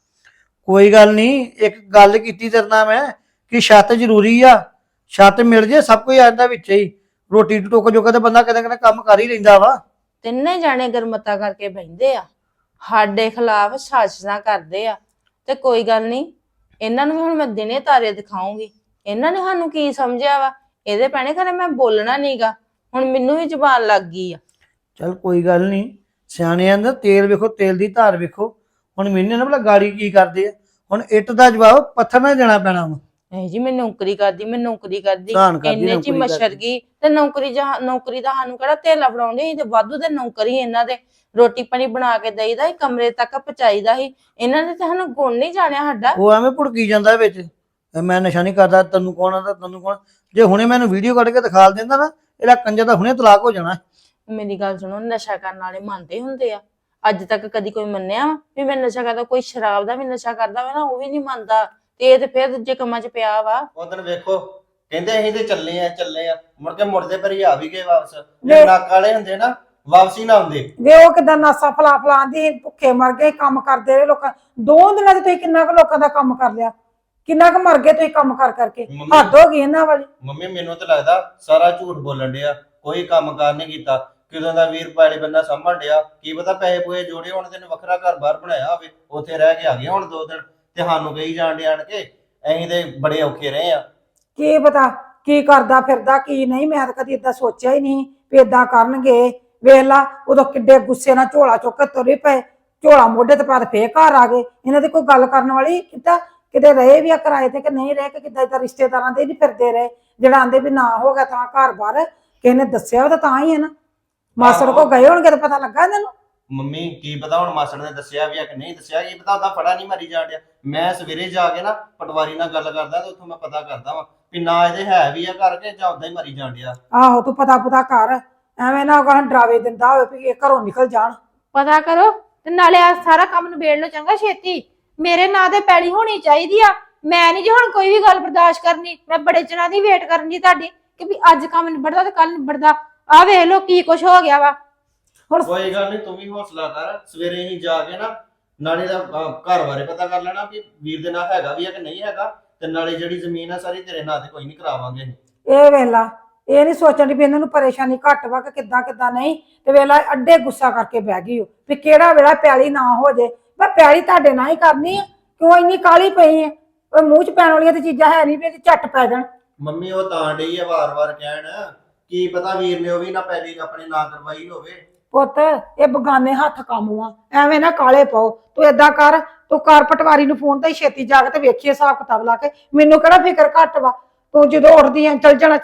S5: ਕੋਈ ਗੱਲ ਨਹੀਂ, ਇੱਕ ਗੱਲ ਕੀਤੀ ਤੇਰੇ ਨਾਲ ਮੈਂ ਕਿ ਛੱਤ ਜ਼ਰੂਰੀ ਆ। ਛੱਤ ਮਿਲ ਜੇ ਸਭ ਕੁਝ ਆਂਦਾ ਵਿੱਚ ਹੀ। ਰੋਟੀ ਟੁੱਕ ਜੋਗਾ ਤੇ ਬੰਦਾ ਕਿਤੇ ਕਿਤੇ ਕੰਮ ਕਰ ਹੀ ਲੈਂਦਾ ਵਾ।
S4: ਤਿੰਨੇ ਜਾਣੇ ਗਰਮਤਾ ਕਰਕੇ ਬਹਿੰਦੇ ਆ, ਸਾਡੇ ਖਿਲਾਫ ਸਾਜ਼ਿਸ਼ਾਂ ਕਰਦੇ ਆ। ਤੇ ਕੋਈ ਗੱਲ ਨਹੀਂ, ਇਹਨਾਂ ਨੂੰ ਵੀ ਹੁਣ ਮੈਂ ਦਿਨੇ ਤਾਰੇ ਦਿਖਾਉਂਗੀ। ਇਹਨਾਂ ਨੇ ਸਾਨੂੰ ਕੀ ਸਮਝਿਆ ਵਾ। ਇਹਦੇ ਭੈਣੇ ਘਰੇ ਮੈਂ ਬੋਲਣਾ ਨਹੀਂਗਾ, ਹੁਣ ਮੈਨੂੰ ਵੀ ਜ਼ੁਬਾਨ ਲੱਗ ਗਈ ਆ।
S5: ਚੱਲ ਕੋਈ ਗੱਲ ਨਹੀਂ, ਸਿਆਣਿਆਂ ਦਾ ਤੇਲ ਵੇਖੋ, ਤੇਲ ਦੀ ਧਾਰ ਵੇਖੋ। ਹੁਣ ਮੈਨੂੰ ਨਾ ਭਲਾ ਗਾੜੀ ਕੀ ਕਰਦੇ ਆ। ਹੁਣ ਇੱਟ ਦਾ ਜਵਾਬ ਪੱਥਰ ਨਾਲ ਦੇਣਾ ਪੈਣਾ ਵਾ।
S4: ਨਹੀਂ ਜੀ, ਮੈਂ ਨੌਕਰੀ ਕਰਦੀ, ਮੈਂ ਨੌਕਰੀ ਕਰਦੀ,
S5: ਧਾਨ ਕਰਦੀ,
S4: ਇੰਨੇ ਚ
S5: ਨੌਕਰੀ
S4: ਮਸ਼ਰ
S5: ਕਰਦੀ।
S4: ਗਈ। ਤੇ ਨੌਕਰੀ ਦਾ ਸਾਨੂੰ ਕਿਹੜਾ ਧੇਲਾ ਫੜਾਉਂਦੇ ਸੀ, ਤੇ ਵਾਧੂ ਦੇ ਨੌਕਰੀ ਇਹਨਾਂ ਦੇ। ਰੋਟੀ ਪਾਣੀ ਬਣਾ ਕੇ ਦੇਈਦਾ ਸੀ, ਕਮਰੇ ਤੱਕ ਪਹੁੰਚਾਈਦਾ ਸੀ। ਇਹਨਾਂ ਨੇ ਤਾਂ ਸਾਨੂੰ ਗੁਣ ਨਹੀਂ ਜਾਣਿਆ ਸਾਡਾ।
S5: ਉਹ ਐਵੇਂ ਭੁੜਕੀ ਜਾਂਦਾ ਵਿੱਚ, ਮੈਂ ਨਸ਼ਾ ਨਹੀਂ ਕਰਦਾ, ਤੈਨੂੰ ਕੌਣ ਆਦਾ, ਤੈਨੂੰ ਕੌਣ। ਜੇ ਹੁਣੇ ਮੈਨੂੰ ਵੀਡੀਓ ਕੱਢ ਕੇ ਦਿਖਾ ਦਿੰਦਾ ਨਾ, ਇਹਦਾ ਕੰਜਰ ਦਾ ਹੁਣੇ ਤਲਾਕ ਹੋ ਜਾਣਾ।
S4: ਮੇਰੀ ਗੱਲ ਸੁਣੋ, ਨਸ਼ਾ ਕਰਨ ਵਾਲੇ ਮੰਨਦੇ ਹੁੰਦੇ ਆ? ਅੱਜ ਤੱਕ ਕਦੀ ਕੋਈ ਮੰਨਿਆ ਵਾ ਵੀ ਮੈਂ ਨਸ਼ਾ ਕਰਦਾ? ਕੋਈ ਸ਼ਰਾਬ ਦਾ ਵੀ ਨਸ਼ਾ ਕਰਦਾ ਵਾ ਨਾ, ਉਹ ਵੀ ਨਹੀਂ ਮੰਨਦਾ। ਤੇ ਇਹ ਤੇ ਫਿਰ ਦੂਜੇ ਕੰਮਾਂ 'ਚ ਪਿਆ ਵਾ।
S2: ਉਦੋਂ ਵੇਖੋ ਕਹਿੰਦੇ ਅਸੀਂ ਤੇ ਚੱਲੇ ਆ ਮੁੜ ਕੇ ਮੁੜਦੇ ਪਰ ਆ ਵੀ ਗਏ ਵਾਪਸ। ਜੇ ਨੱਕ ਵਾਲੇ ਹੁੰਦੇ ਨਾ, ਵਾਪਸੀ ਨਾ ਆਉਂਦੇ।
S3: ਵੇ ਉਹ ਕਿਦਾਂ ਨਾਸਾ ਫਲਾਂਦੀ, ਭੁੱਖੇ ਮਰ ਗਏ, ਕੰਮ ਕਰਦੇ ਰਹੇ ਲੋਕਾਂ। 2 ਦਿਨਾਂ 'ਚ ਤੁਸੀਂ ਕਿੰਨਾ ਕੁ ਲੋਕਾਂ ਦਾ ਕੰਮ ਕਰ ਲਿਆ, ਕਿੰਨਾ ਕੁ ਮਰ ਗਏ ਤੁਸੀਂ ਕੰਮ ਕਰਕੇ। ਹੱਦ ਹੋ ਗਈ ਇਹਨਾਂ ਵਾਲੀ।
S2: ਮੰਮੀ ਮੈਨੂੰ ਤਾਂ ਲੱਗਦਾ ਸਾਰਾ ਝੂਠ ਬੋਲਣ ਡਿਆ, ਕੋਈ ਕੰਮ ਕਾਰ ਨਹੀਂ ਕੀਤਾ। ਕਿਦੋਂ ਦਾ ਵੀਰ ਪਾਲੇ ਬੰਦਾ ਸਾਂਭਣ ਡਿਆ, ਕੀ ਪਤਾ ਪੈਸੇ ਪੂਏ ਜੋੜੇ ਹੁਣ ਤੈਨੂੰ ਵੱਖਰਾ ਘਰ ਬਾਹਰ ਬਣਾਇਆ ਹੋਵੇ, ਉੱਥੇ ਰਹਿ ਕੇ ਆ ਗਏ ਹੁਣ 2 ਦਿਨ। ਤੇ ਸਾਨੂੰ ਕਹੀ ਜਾਣ ਡਿਆਣ ਕੇ ਅਸੀਂ ਤੇ ਬੜੇ ਔਖੇ ਰਹੇ ਆ।
S3: ਕੀ ਪਤਾ ਕੀ ਕਰਦਾ ਫਿਰਦਾ ਕੀ ਨਹੀਂ। ਮੈਂ ਤਾਂ ਕਦੀ ਏਦਾਂ ਸੋਚਿਆ ਹੀ ਨਹੀਂ ਵੀ ਏਦਾਂ ਕਰਨਗੇ। ਵੇਖ ਲਾ ਉਦੋਂ ਕਿੱਡੇ ਗੁੱਸੇ ਨਾਲ ਝੋਲਾ ਚੁੱਕ ਕੇ ਤੁਰੇ ਪਏ, ਝੋਲਾ ਮੋਢੇ ਤੇ ਪਾ ਕੇ ਫੇਰ ਘਰ ਆ ਗਏ। ਇਹਨਾਂ ਦੀ ਕੋਈ ਗੱਲ ਕਰਨ ਵਾਲੀ ਕਿਤਾ ਕਿਤੇ ਰਹੇ ਵੀ ਆ ਕਿਰਾਏ ਤੇ ਕਿ ਨਹੀਂ ਰਹੇ, ਕਿ ਕਿੱਦਾਂ ਏਦਾਂ ਰਿਸ਼ਤੇਦਾਰਾਂ ਦੇ ਨਹੀਂ ਫਿਰਦੇ ਰਹੇ। ਜਿਹੜਾ ਆਂਦੇ ਵੀ ਨਾ ਹੋ ਗਿਆ ਤਾਂ ਘਰ ਬਾਹਰ ਕਿਸੇ ਨੇ ਦੱਸਿਆ ਤਾਂ ਹੀ ਹੈ ਨਾ। ਮਾਸੜ ਕੋ ਗਏ ਹੋਣਗੇ ਤਾਂ ਪਤਾ ਲੱਗਾ ਇਹਨਾਂ ਨੂੰ।
S2: ਮੰਮੀ ਕੀ ਪਤਾ ਹੁਣ ਮਾਸੜ ਨੇ ਦੱਸਿਆ ਵੀ ਆ ਕਿ ਨਹੀਂ ਦੱਸਿਆ, ਕੀ ਪਤਾ ਉਹਦਾ ਫੜਾ ਨਹੀਂ ਮਾਰੀ ਜਾਣ ਡਿਆ। ਮੈਂ ਸਵੇਰੇ ਜਾ ਕੇ ਨਾ ਪਟਵਾਰੀ ਨਾਲ ਗੱਲ ਕਰਦਾ ਤੇ ਉੱਥੋਂ ਮੈਂ ਪਤਾ ਕਰਦਾ ਵਾਂ ਵੀ ਨਾ ਇਹਦੇ ਹੈ ਵੀ ਆ ਘਰ ਕੇ ਜਾਂ ਉਦਾਂ ਹੀ ਮਾਰੀ ਜਾਣ ਡਿਆ।
S3: ਆਹੋ ਤੂੰ ਪਤਾ ਕਰ, ਐਵੇਂ ਨਾ ਉਹ ਡਰਾਵੇ ਦਿੰਦਾ ਹੋਵੇ ਵੀ ਇਹ ਘਰੋਂ ਨਿਕਲ ਜਾਣ।
S1: ਪਤਾ ਕਰੋ ਤੇ ਨਾਲੇ ਆ ਸਾਰਾ ਕੰਮ ਨਿਬੇੜ ਲਓ ਚੰਗਾ ਛੇਤੀ। ਮੇਰੇ ਨਾਂ ਤੇ ਪੈਲੀ ਹੋਣੀ ਚਾਹੀਦੀ ਆ। ਮੈਂ ਨਹੀਂ ਜੀ ਹੁਣ ਕੋਈ ਵੀ ਗੱਲ ਬਰਦਾਸ਼ਤ ਕਰਨੀ। ਮੈਂ ਬੜੇ ਚਿਰਾਂ ਦੀ ਵੇਟ ਕਰਨ ਦੀ ਤੁਹਾਡੀ ਕਿ ਵੀ ਅੱਜ ਕੰਮ ਨਿਬੜਦਾ ਤੇ ਕੱਲ ਨਿਬੜਦਾ। ਆ ਵੇਖ ਲਓ ਕੀ ਕੁਛ ਹੋ ਗਿਆ ਵਾ।
S3: ਹੁਣ
S2: ਕੋਈ ਗੱਲ ਨਹੀਂ, ਤੂੰ ਵੀ ਹੌਸਲਾ ਕਰ। ਸਵੇਰੇ ਹੀ ਜਾ ਕੇ ਨਾ ਨਾਲੇ ਦਾ ਘਰ ਬਾਰੇ ਪਤਾ ਕਰ ਲੈਣਾ ਵੀ ਵੀਰ ਦੇ ਨਾਲ ਹੈਗਾ ਵੀ ਆ ਕਿ ਨਹੀਂ ਹੈਗਾ। ਤੇ ਨਾਲੇ ਜਿਹੜੀ ਜ਼ਮੀਨ ਆ ਸਾਰੀ ਤੇਰੇ ਨਾਂ ਤੇ ਕੋਈ ਨਹੀਂ ਕਰਾਵਾਂਗੇ।
S3: ਇਹ ਵੇਲਾ ਇਹ ਨਹੀਂ ਸੋਚਣ ਦੀ ਵੀ ਇਹਨਾਂ ਨੂੰ ਪਰੇਸ਼ਾਨੀ ਘੱਟ ਵਾ ਕਿ ਕਿੱਦਾਂ ਨਹੀਂ। ਤੇ ਵੇਲਾ ਅੱਡੇ ਗੁੱਸਾ ਕਰਕੇ ਬਹਿ ਗਈ ਉਹ ਵੀ ਕਿਹੜਾ ਵੇਲਾ ਪੈਲੀ ਨਾ ਹੋ ਜੇ। ਮੈਂ ਪੈਲੀ ਤੁਹਾਡੇ ਨਾਲ ਹੀ ਕਰਨੀ ਆ, ਕਿਉਂ ਇੰਨੀ ਕਾਹਲੀ ਪਈ ਆ? ਉਹ ਮੂੰਹ 'ਚ ਪੈਣ ਵਾਲੀਆਂ ਤੇ ਚੀਜ਼ਾਂ ਹੈ ਨਹੀਂ ਵੀ ਝੱਟ ਪੈ ਜਾਣ।
S2: ਮੰਮੀ ਉਹ ਤਾਂ ਡਈ ਆ ਵਾਰ-ਵਾਰ ਕਹਿਣ, ਕੀ ਪਤਾ ਵੀਰ ਨੇ ਉਹ ਵੀ ਨਾ ਪੈਲੀ ਆਪਣੇ ਨਾਂ ਕਰਵਾਈ ਹੋਵੇ।
S3: ਪੁੱਤ ਇਹ ਬਗਾਨੇ ਹੱਥ ਕੰਮ ਆ, ਐਵੇਂ ਨਾ ਕਾਲੇ ਪਾਓ। ਤੂੰ ਏਦਾਂ ਕਰ, ਤੂੰ ਕਰ ਪਟਵਾਰੀ ਨੂੰ ਫੋਨ ਤੇ ਛੇਤੀ ਜਾ ਕੇ ਤੇ ਵੇਖੀਏ ਹਿਸਾਬ ਕਿਤਾਬ ਲਾ ਕੇ। ਮੈਨੂੰ ਕਿਹੜਾ ਫਿਕਰ ਘੱਟ ਵਾ। ਤੂੰ ਜਦੋਂ ਉੱਠਦੀ ਆ ਚੱਲ ਜਾਣਾ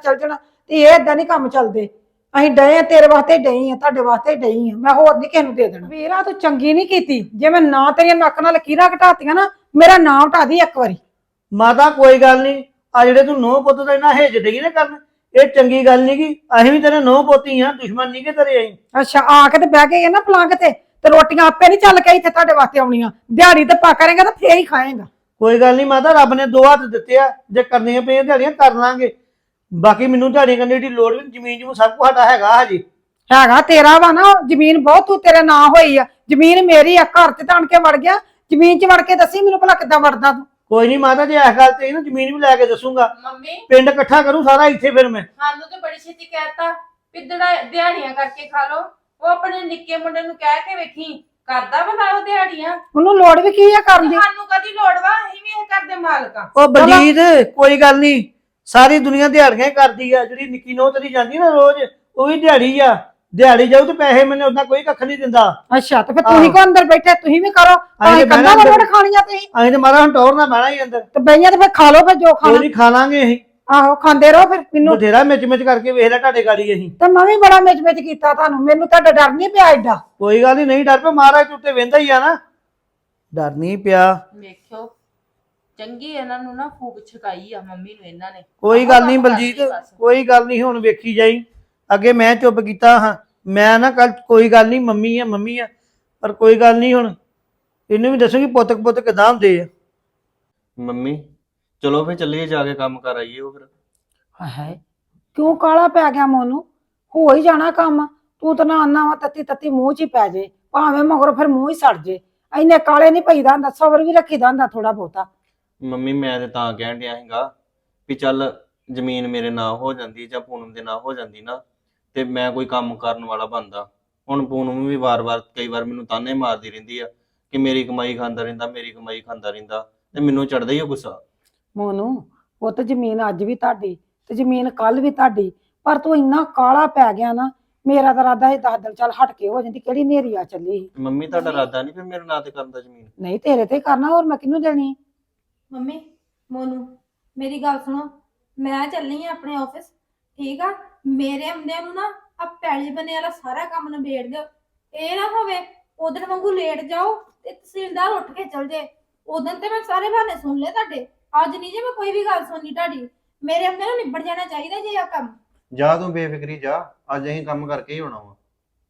S3: ਤੇ ਇਹ ਏਦਾਂ ਨਹੀਂ ਕੰਮ ਚੱਲਦੇ। ਅਸੀਂ ਡਏ ਆ ਤੇਰੇ ਵਾਸਤੇ ਡਏ ਆ, ਤੁਹਾਡੇ ਵਾਸਤੇ ਡਏ ਆ। ਮੈਂ ਹੋਰ ਨਹੀਂ ਕਿਸੇ ਨੂੰ ਦੇ ਦੇਣਾ। ਵੀਰਾ ਤੂੰ ਚੰਗੀ ਨਹੀਂ ਕੀਤੀ। ਜੇ ਮੈਂ ਨਾ ਤੇਰੀਆਂ ਨੱਕ ਨਾਲ ਲਕੀਰਾਂ ਘਟਾਤੀਆਂ ਨਾ, ਮੇਰਾ ਨਾਂ ਹਟਾ ਦੀ ਇੱਕ ਵਾਰੀ।
S5: ਮਾਤਾ ਕੋਈ ਗੱਲ ਨਹੀਂ, ਆ ਜਿਹੜੇ ਤੂੰ ਨੋਹ ਪੁੱਤ ਦਾ ਇਹਨਾਂ ਹੇਜ ਡਈ ਨਾ ਕਰਨ, ਇਹ ਚੰਗੀ ਗੱਲ ਨਹੀਂ ਗੀ। ਅਸੀਂ ਵੀ ਤੇਰੇ ਨੋਹ ਪੋਤੀ ਆ, ਦੁਸ਼ਮਣ ਨਹੀਂ ਕਿ ਤੇਰੇ ਅਸੀਂ।
S3: ਅੱਛਾ ਆ ਕੇ ਤੇ ਬਹਿ ਕੇ ਨਾ ਪਲੰਗ ਤੇ ਰੋਟੀਆਂ ਆਪੇ ਨਹੀਂ ਚੱਲ ਕੇ ਇੱਥੇ ਤੁਹਾਡੇ ਵਾਸਤੇ ਆਉਣੀਆਂ। ਦਿਹਾੜੀ ਤੇ ਪਾ ਕਰੇਗਾ ਤਾਂ ਫੇਰ ਹੀ ਖਾਏਗਾ।
S5: ਕੋਈ ਗੱਲ ਨਹੀਂ ਮਾਤਾ, ਰੱਬ ਨੇ 2 ਹੱਥ ਦਿੱਤੇ ਆ, ਜੇ ਕਰਨੀਆਂ ਪਈਆਂ ਦਿਹਾੜੀਆਂ ਕਰ ਲਾਂਗੇ। ਬਾਕੀ ਮੈਨੂੰ ਦਿਹਾੜੀ ਕਰਨੀ ਦੀ ਲੋੜ ਵੀ ਨੀ, ਜ਼ਮੀਨ ਜਮੂਨ ਸਭ ਕੁਛ ਸਾਡਾ ਹੈਗਾ ਹਜੇ।
S3: ਹੈਗਾ ਤੇਰਾ ਵਾ ਨਾ, ਜ਼ਮੀਨ ਬਹੁਤ ਤੂੰ ਤੇਰੇ ਨਾਂ ਹੋਈ ਆ, ਜ਼ਮੀਨ ਮੇਰੀ ਆ, ਘਰ ਤੇ ਤਾਣ ਕੇ ਵੜ ਗਿਆ, ਜ਼ਮੀਨ 'ਚ ਵੜ ਕੇ ਦੱਸੀ ਮੈਨੂੰ ਭਲਾ ਕਿੱਦਾਂ ਵੜਦਾ ਤੂੰ।
S5: ਕੋਈ ਨਹੀਂ ਮਾਤਾ ਜੀ, ਇਸ ਗੱਲ ਤੇ ਨਾ ਜ਼ਮੀਨ ਵੀ ਲੈ ਕੇ ਦੱਸੂਗਾ,
S4: ਮੰਮੀ
S5: ਪਿੰਡ ਇਕੱਠਾ ਕਰੂੰ ਸਾਰਾ ਇੱਥੇ ਫਿਰ ਮੈਂ।
S4: ਸਾਨੂੰ ਤੇ ਬੜੀ ਛੇਤੀ ਕਹਿਤਾ ਵੀ ਦਿਹਾੜੀਆਂ ਕਰਕੇ ਖਾ ਲੋ। ਉਹ ਆਪਣੇ ਨਿੱਕੇ ਮੁੰਡੇ ਨੂੰ ਕਹਿ ਕੇ ਵੇਖੀ, ਕਰਦਾ ਬਣਾ ਉਹ ਦਿਹਾੜੀਆਂ।
S3: ਉਹਨੂੰ ਲੋੜ ਵੀ ਕੀ ਆ ਕਰਨ ਦੀ?
S4: ਸਾਨੂੰ ਕਦੀ ਲੋੜ ਵਾ, ਅਸੀਂ ਵੀ ਇਹ ਕਰਦੇ ਮਾਲਕਾਂ।
S5: ਉਹ ਬਲਜੀਤ ਕੋਈ ਗੱਲ ਨਹੀਂ, ਸਾਰੀ ਦੁਨੀਆ ਦਿਹਾੜੀਆਂ ਹੀ ਕਰਦੀ ਆ। ਜਿਹੜੀ ਨਿੱਕੀ ਨੋਹ ਤੇਰੀ ਜਾਂਦੀ ਨਾ ਰੋਜ਼, ਉਹ ਵੀ ਦਿਹਾੜੀ ਆ। ਦਿਹਾੜੀ ਜਾਊ ਤੇ ਪੈਸੇ ਮੈਨੂੰ ਉਦਾਂ ਕੋਈ ਕੱਖ ਨਹੀਂ ਦਿੰਦਾ।
S3: ਅੱਛਾ ਤੇ ਫਿਰ ਤੁਸੀਂ ਕੋ ਅੰਦਰ ਬੈਠੇ, ਤੁਸੀਂ ਵੀ ਕਰੋ,
S5: ਅਸੀਂ
S3: ਕੰਨਾਂ
S5: ਬਹਿਣਾ
S3: ਵੜ ਖਾਣੀਆਂ ਤੁਸੀਂ
S5: ਅਸੀਂ ਤੇ ਮਾਰਾ ਹੁਣ ਟੌਰ ਨਾ ਬਹਿਣਾ ਹੀ ਅੰਦਰ।
S3: ਤੇ ਬਈਆਂ ਤੇ ਫਿਰ ਖਾ ਲਓ ਫਿਰ ਜੋ
S5: ਕੋਈ
S3: ਖਾਣਾ।
S5: ਨਹੀਂ ਖਾ ਲਾਂਗੇ ਅਸੀਂ,
S3: ਆਹੋ ਖਾਂਦੇ ਰਹੋ ਫਿਰ। ਮੈਨੂੰ
S5: ਬਥੇਰਾ ਮਿਚ ਕਰਕੇ ਵੇਖ ਲੈ ਤੁਹਾਡੇ ਗਾੜੀ ਅਸੀਂ।
S3: ਤੇ ਮੈਂ ਵੀ ਬੜਾ ਮਿਚ ਕੀਤਾ ਤੁਹਾਨੂੰ, ਮੈਨੂੰ ਤੁਹਾਡਾ ਡਰ ਨਹੀਂ ਪਿਆ ਏਡਾ?
S5: ਕੋਈ ਗੱਲ ਨਹੀਂ ਡਰ ਪਿਆ, ਮਹਾਰਾਜ ਉੱਤੇ ਵਹਿੰਦਾ ਹੀ ਆ ਨਾ, ਡਰ ਨਹੀਂ ਪਿਆ।
S4: ਵੇਖਿਓ ਚੰਗੀ ਇਹਨਾਂ ਨੂੰ ਨਾ ਫੂਕ ਛਕਾਈ ਆ ਮੰਮੀ ਨੂੰ ਇਹਨਾਂ ਨੇ।
S5: ਕੋਈ ਗੱਲ ਨਹੀਂ ਬਲਜੀਤ, ਕੋਈ ਗੱਲ ਨਹੀਂ, ਹੁਣ ਵੇਖੀ ਜਾਈ। ਅੱਗੇ ਮੈਂ ਚੁੱਪ ਕੀਤਾ ਹਾਂ, ਮੈਂ ਨਾ ਕੱਲ ਕੋਈ ਗੱਲ ਨਹੀਂ, ਮੰਮੀ ਆ, ਪਰ ਕੋਈ ਗੱਲ ਨਹੀਂ, ਹੁਣ ਇਹਨੂੰ ਵੀ ਦੱਸੂਗੀ ਪੁੱਤ ਕਿਦਾਂ ਹੁੰਦੇ ਆ।
S2: ਮੰਮੀ ਚਲੋ ਫੇ ਚੱਲੀਏ, ਜਾ ਕੇ ਕੰਮ ਕਰ ਆਈਏ। ਉਹ ਫਿਰ
S3: ਹਾਏ ਕਿਉਂ ਕਾਲਾ ਪੈ ਗਿਆ ਮੋਨੂੰ? ਹੋ ਹੀ ਜਾਣਾ ਕੰਮ, ਤੂੰ ਤਾਂ ਨਾ ਆਨਾ ਵਾ ਤੱਤੀ ਮੂੰਹ 'ਚ ਹੀ ਪੈ ਜੇ, ਭਾਵੇਂ ਮਗਰੋਂ ਫਿਰ ਮੂੰਹ ਹੀ ਸੜ ਜੇ। ਇੰਨੇ ਕਾਲੇ ਨਹੀਂ ਪਈਦਾ ਹੁੰਦਾ, ਸਬਰ ਵੀ ਰੱਖੀਦਾ ਹੁੰਦਾ ਥੋੜਾ ਬਹੁਤਾ।
S2: ਮੰਮੀ ਮੈਂ ਤੇ ਤਾਂ ਕਹਿਣ ਡਿਆ ਸੀਗਾ ਵੀ ਚੱਲ ਜ਼ਮੀਨ ਮੇਰੇ ਨਾਂ ਹੋ ਜਾਂਦੀ ਜਾਂ ਪੂਨਮ ਦੇ ਨਾਂ ਹੋ ਜਾਂਦੀ ਨਾ, ਤੇ ਮੈਂ ਕੋਈ ਕੰਮ ਕਰਨ ਵਾਲਾ ਬਣਦਾ। ਹੁਣ ਪੂਨਮ ਵੀ ਵਾਰ-ਵਾਰ ਕਈ ਵਾਰ ਮੈਨੂੰ ਤਾਨੇ ਮਾਰਦੀ ਰਹਿੰਦੀ ਆ ਕਿ ਮੇਰੀ ਕਮਾਈ ਖਾਂਦਾ ਰਹਿੰਦਾ, ਤੇ ਮੈਨੂੰ ਚੜਦਾ ਹੀ ਉਹ ਗੁੱਸਾ।
S3: ਮੋਨੂੰ ਉਹ ਤਾਂ ਜ਼ਮੀਨ ਅੱਜ ਵੀ ਤੁਹਾਡੀ ਤੇ ਜ਼ਮੀਨ ਕੱਲ ਵੀ ਤੁਹਾਡੀ, ਪਰ ਤੂੰ ਇੰਨਾ ਕਾਲਾ ਪੈ ਗਿਆ ਨਾ, ਮੇਰਾ ਤਾਂ ਇਰਾਦਾ ਇਹ 10 ਦਿਨ ਚੱਲ ਹਟ ਕੇ ਹੋ ਜਾਂਦੀ, ਕਿਹੜੀ ਨੇਰੀ ਆ ਚੱਲੀ ਸੀ।
S2: ਮੰਮੀ ਤੁਹਾਡਾ ਇਰਾਦਾ ਨਹੀਂ ਫਿਰ ਮੇਰੇ ਨਾਂ ਤੇ ਕਰਨ ਦਾ ਜ਼ਮੀਨ?
S3: ਨਹੀਂ ਤੇਰੇ ਤੇ ਕਰਨਾ, ਹੋਰ ਮੈਂ ਕਿਹਨੂੰ ਦੇਣੀ?
S1: ਮੰਮੀ ਮੋਨੂ ਮੇਰੀ ਗੱਲ ਸੁਣੋ, ਮੈਂ ਚੱਲੀ ਆ ਆਪਣੇ ਆਫਿਸ, ਠੀਕ ਆ? ਮੇਰੇ ਆਉਂਦਿਆਂ ਨੂੰ ਨਾ ਆ ਪੈਲੀ ਬਣੇ ਵਾਲਾ ਸਾਰਾ ਕੰਮ ਨਿਬੇੜ ਦਿਓ। ਇਹ ਨਾ ਹੋਵੇ ਉਧਰ ਵਾਂਗੂ ਲੇਟ ਜਾਓ ਤੇ ਤਹਿਸੀਲਦਾਰ ਉੱਠ ਕੇ ਚਲ ਜੇ। ਉਦੋਂ ਤੇ ਮੈਂ ਸਾਰੇ ਬਹਾਨੇ ਸੁਣ ਲਏ ਤੁਹਾਡੇ, ਅੱਜ ਨਹੀਂ ਜੇ ਮੈਂ ਕੋਈ ਵੀ ਗੱਲ ਸੁਣਨੀ ਤੁਹਾਡੀ। ਮੇਰੇ ਆਉਂਦਿਆਂ ਨੂੰ ਨਿਬੜ ਜਾਣਾ ਚਾਹੀਦਾ ਜੇ ਆ ਕੰਮ।
S2: ਜਾ ਤੂੰ ਬੇਫਿਕਰੀ ਜਾ, ਅੱਜ ਅਸੀਂ ਕੰਮ ਕਰਕੇ ਹੀ ਹੋਣਾ ਵਾ।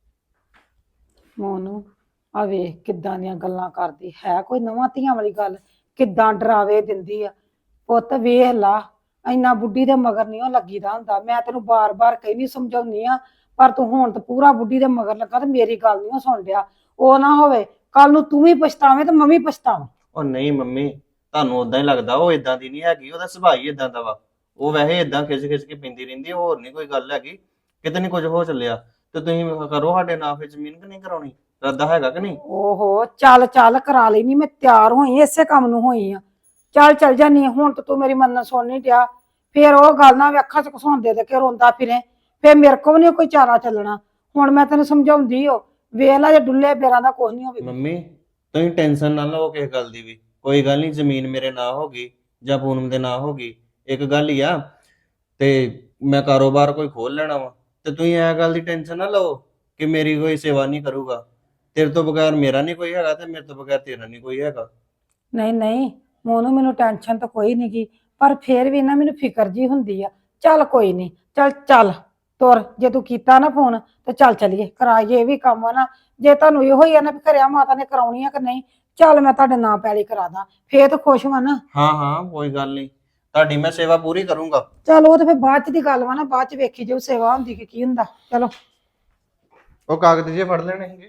S3: ਮੋਨੂੰ ਆ ਵੇਖ ਕਿੱਦਾਂ ਦੀਆਂ ਗੱਲਾਂ ਕਰਦੀ ਹੈ, ਕੋਈ ਨਵਾਂ ਧੀਆਂ ਵਾਲੀ ਗੱਲ, ਕਿੱਦਾਂ ਡਰਾਵੇ ਦਿੰਦੀ ਆ। ਪੁੱਤ ਵੇਖ ਲਾ, ਇੰਨਾ ਬੁੱਢੀ ਦੇ ਮਗਰ ਨਹੀਂ ਉਹ ਲੱਗੀਦਾ ਹੁੰਦਾ। ਮੈਂ ਤੈਨੂੰ ਬਾਰ-ਬਾਰ ਕਹਿੰਦੀ ਸਮਝਾਉਣੀ ਆ, ਪਰ ਤੂੰ ਹੁਣ ਤਾਂ ਪੂਰਾ ਬੁੱਢੀ ਦੇ ਮਗਰ ਲੱਗਾ ਤੇ ਮੇਰੀ ਗੱਲ ਨਹੀਂ ਸੁਣ ਰਿਹਾ। ਉਹ ਨਾ ਹੋਵੇ ਕੱਲ ਨੂੰ ਤੂੰ ਵੀ ਪਛਤਾਵੇਂ ਤੇ ਮੈਂ ਵੀ ਪਛਤਾਵਾਂ।
S2: ਉਹ ਨਹੀਂ ਮੰਮੀ, ਤੁਹਾਨੂੰ ਉਦਾਂ ਹੀ ਲੱਗਦਾ, ਉਹ ਇਦਾਂ ਦੀ ਨਹੀਂ ਹੈਗੀ, ਉਹਦਾ ਸੁਭਾਅ ਹੀ ਇਦਾਂ ਦਾ ਵਾ। ਉਹ ਵੈਸੇ ਇਦਾਂ ਖਿੱਚ ਕੇ ਪੈਂਦੀ ਰਹਿੰਦੀ, ਹੋਰ ਨਹੀਂ ਕੋਈ ਗੱਲ ਹੈਗੀ। ਕਿਤੇ ਨਹੀਂ ਕੁਝ ਹੋ ਚੱਲਿਆ ਤੇ ਤੁਸੀਂ ਕਰੋ ਸਾਡੇ ਨਾਂ ਫਿਰ ਜ਼ਮੀਨ ਕਿ ਨਹੀਂ ਕਰਾਉਣੀ, ਰੱਦਾ ਹੈਗਾ ਕਿ ਨਹੀਂ?
S3: ਓਹੋ ਚੱਲ ਕਰਾ ਲਈ, ਨਹੀਂ ਮੈਂ ਤਿਆਰ ਹੋਈ, ਇਸੇ ਕੰਮ ਨੂੰ ਹੋਈ ਆ। ਚੱਲ ਜਾਨੀ ਹੁਣ ਤਾਂ ਤੂੰ ਮੇਰੀ ਮੰਨ ਸੁਣ ਨਹੀਂ ਡਿਆ, ਫੇਰ ਉਹ ਗੱਲ ਨਾ ਵੀ ਅੱਖਾਂ 'ਚ ਘਸੋਂਦੇ ਦੇ ਕੇ ਰੋਂਦਾ ਫਿਰੇ, ਫੇਰ ਮੇਰੇ ਕੋਲ ਨਹੀਂ ਕੋਈ ਚਾਰਾ ਚੱਲਣਾ। ਹੁਣ ਮੈਂ ਤੈਨੂੰ ਸਮਝਾਉਂਦੀ ਓ, ਵੇਖ ਲੈ ਜੇ ਡੁੱਲੇ ਬੇਰਾਂ ਦਾ ਕੁਝ ਨਹੀਂ ਹੋਵੇ।
S2: ਮੰਮੀ ਤੁਸੀਂ ਟੈਨਸ਼ਨ ਨਾ ਲਓ ਕਿਸੇ ਗੱਲ ਦੀ ਵੀ, ਕੋਈ ਗੱਲ ਨਹੀਂ, ਜ਼ਮੀਨ ਮੇਰੇ ਨਾਂ ਹੋ ਗਈ ਜਾਂ ਪੂਨਮ ਦੇ ਨਾਂ ਹੋ ਗਈ, ਇੱਕ ਗੱਲ ਹੀ ਆ। ਤੇ ਮੈਂ ਕਾਰੋਬਾਰ ਕੋਈ ਖੋਲ ਲੈਣਾ ਵਾ, ਤੇ ਤੁਸੀਂ ਇਹ ਗੱਲ ਦੀ ਟੈਨਸ਼ਨ ਨਾ ਲਓ ਕਿ ਮੇਰੀ ਕੋਈ ਸੇਵਾ ਨਹੀਂ ਕਰੂਗਾ। ਤੇਰੇ ਤੋਂ ਬਗੈਰ ਮੇਰਾ ਨਹੀਂ ਕੋਈ ਹੈਗਾ ਤੇ ਮੇਰੇ ਤੋਂ ਬਗੈਰ ਤੇਰਾ ਨਹੀਂ ਕੋਈ ਹੈਗਾ।
S3: ਨਹੀਂ ਮੋਨੂੰ ਮੈਨੂੰ ਟੈਨਸ਼ਨ ਤਾਂ ਕੋਈ ਨਹੀਂ ਗੀ, ਪਰ ਫੇਰ ਵੀ ਨਾ ਮੈਨੂੰ ਫਿਕਰ ਜੀ ਹੁੰਦੀ ਆ। ਚੱਲ ਕੋਈ ਨਹੀਂ, ਚੱਲ ਤੁਰ, ਜੇ ਤੂੰ ਕੀਤਾ ਨਾ ਫੋਨ ਤੇ ਚੱਲ ਚੱਲੀਏ, ਕਰਾਈਏ ਇਹ ਵੀ ਕੰਮ ਆ ਨਾ। ਜੇ ਤੁਹਾਨੂੰ ਇਹੋ ਹੀ ਆ ਨਾ ਵੀ ਘਰਿਆ ਮਾਤਾ ਨੇ ਕਰਾਉਣੀ ਆ ਕਿ ਨਹੀਂ, ਚੱਲ ਮੈਂ ਤੁਹਾਡੇ ਨਾਂ ਪੈਲੀ ਕਰਾ ਦਾਂ, ਫੇਰ ਤਾਂ ਖੁਸ਼ ਵਾ ਨਾ।
S2: ਹਾਂ ਕੋਈ ਗੱਲ ਨਹੀਂ, ਤੁਹਾਡੀ ਮੈਂ ਸੇਵਾ ਪੂਰੀ ਕਰੂੰਗਾ।
S3: ਚਲ ਉਹ ਤੇ ਫਿਰ ਬਾਅਦ ਚ ਦੀ ਗੱਲ ਵਾ ਨਾ, ਬਾਅਦ ਚ ਵੇਖੀ ਜਾਊ ਸੇਵਾ ਹੁੰਦੀ ਕਿ ਕੀ ਹੁੰਦਾ। ਚਲੋ
S2: ਉਹ ਕਾਗਜ਼ ਜੇ ਫੜ ਲੈਣੇ ਹੈਗੇ।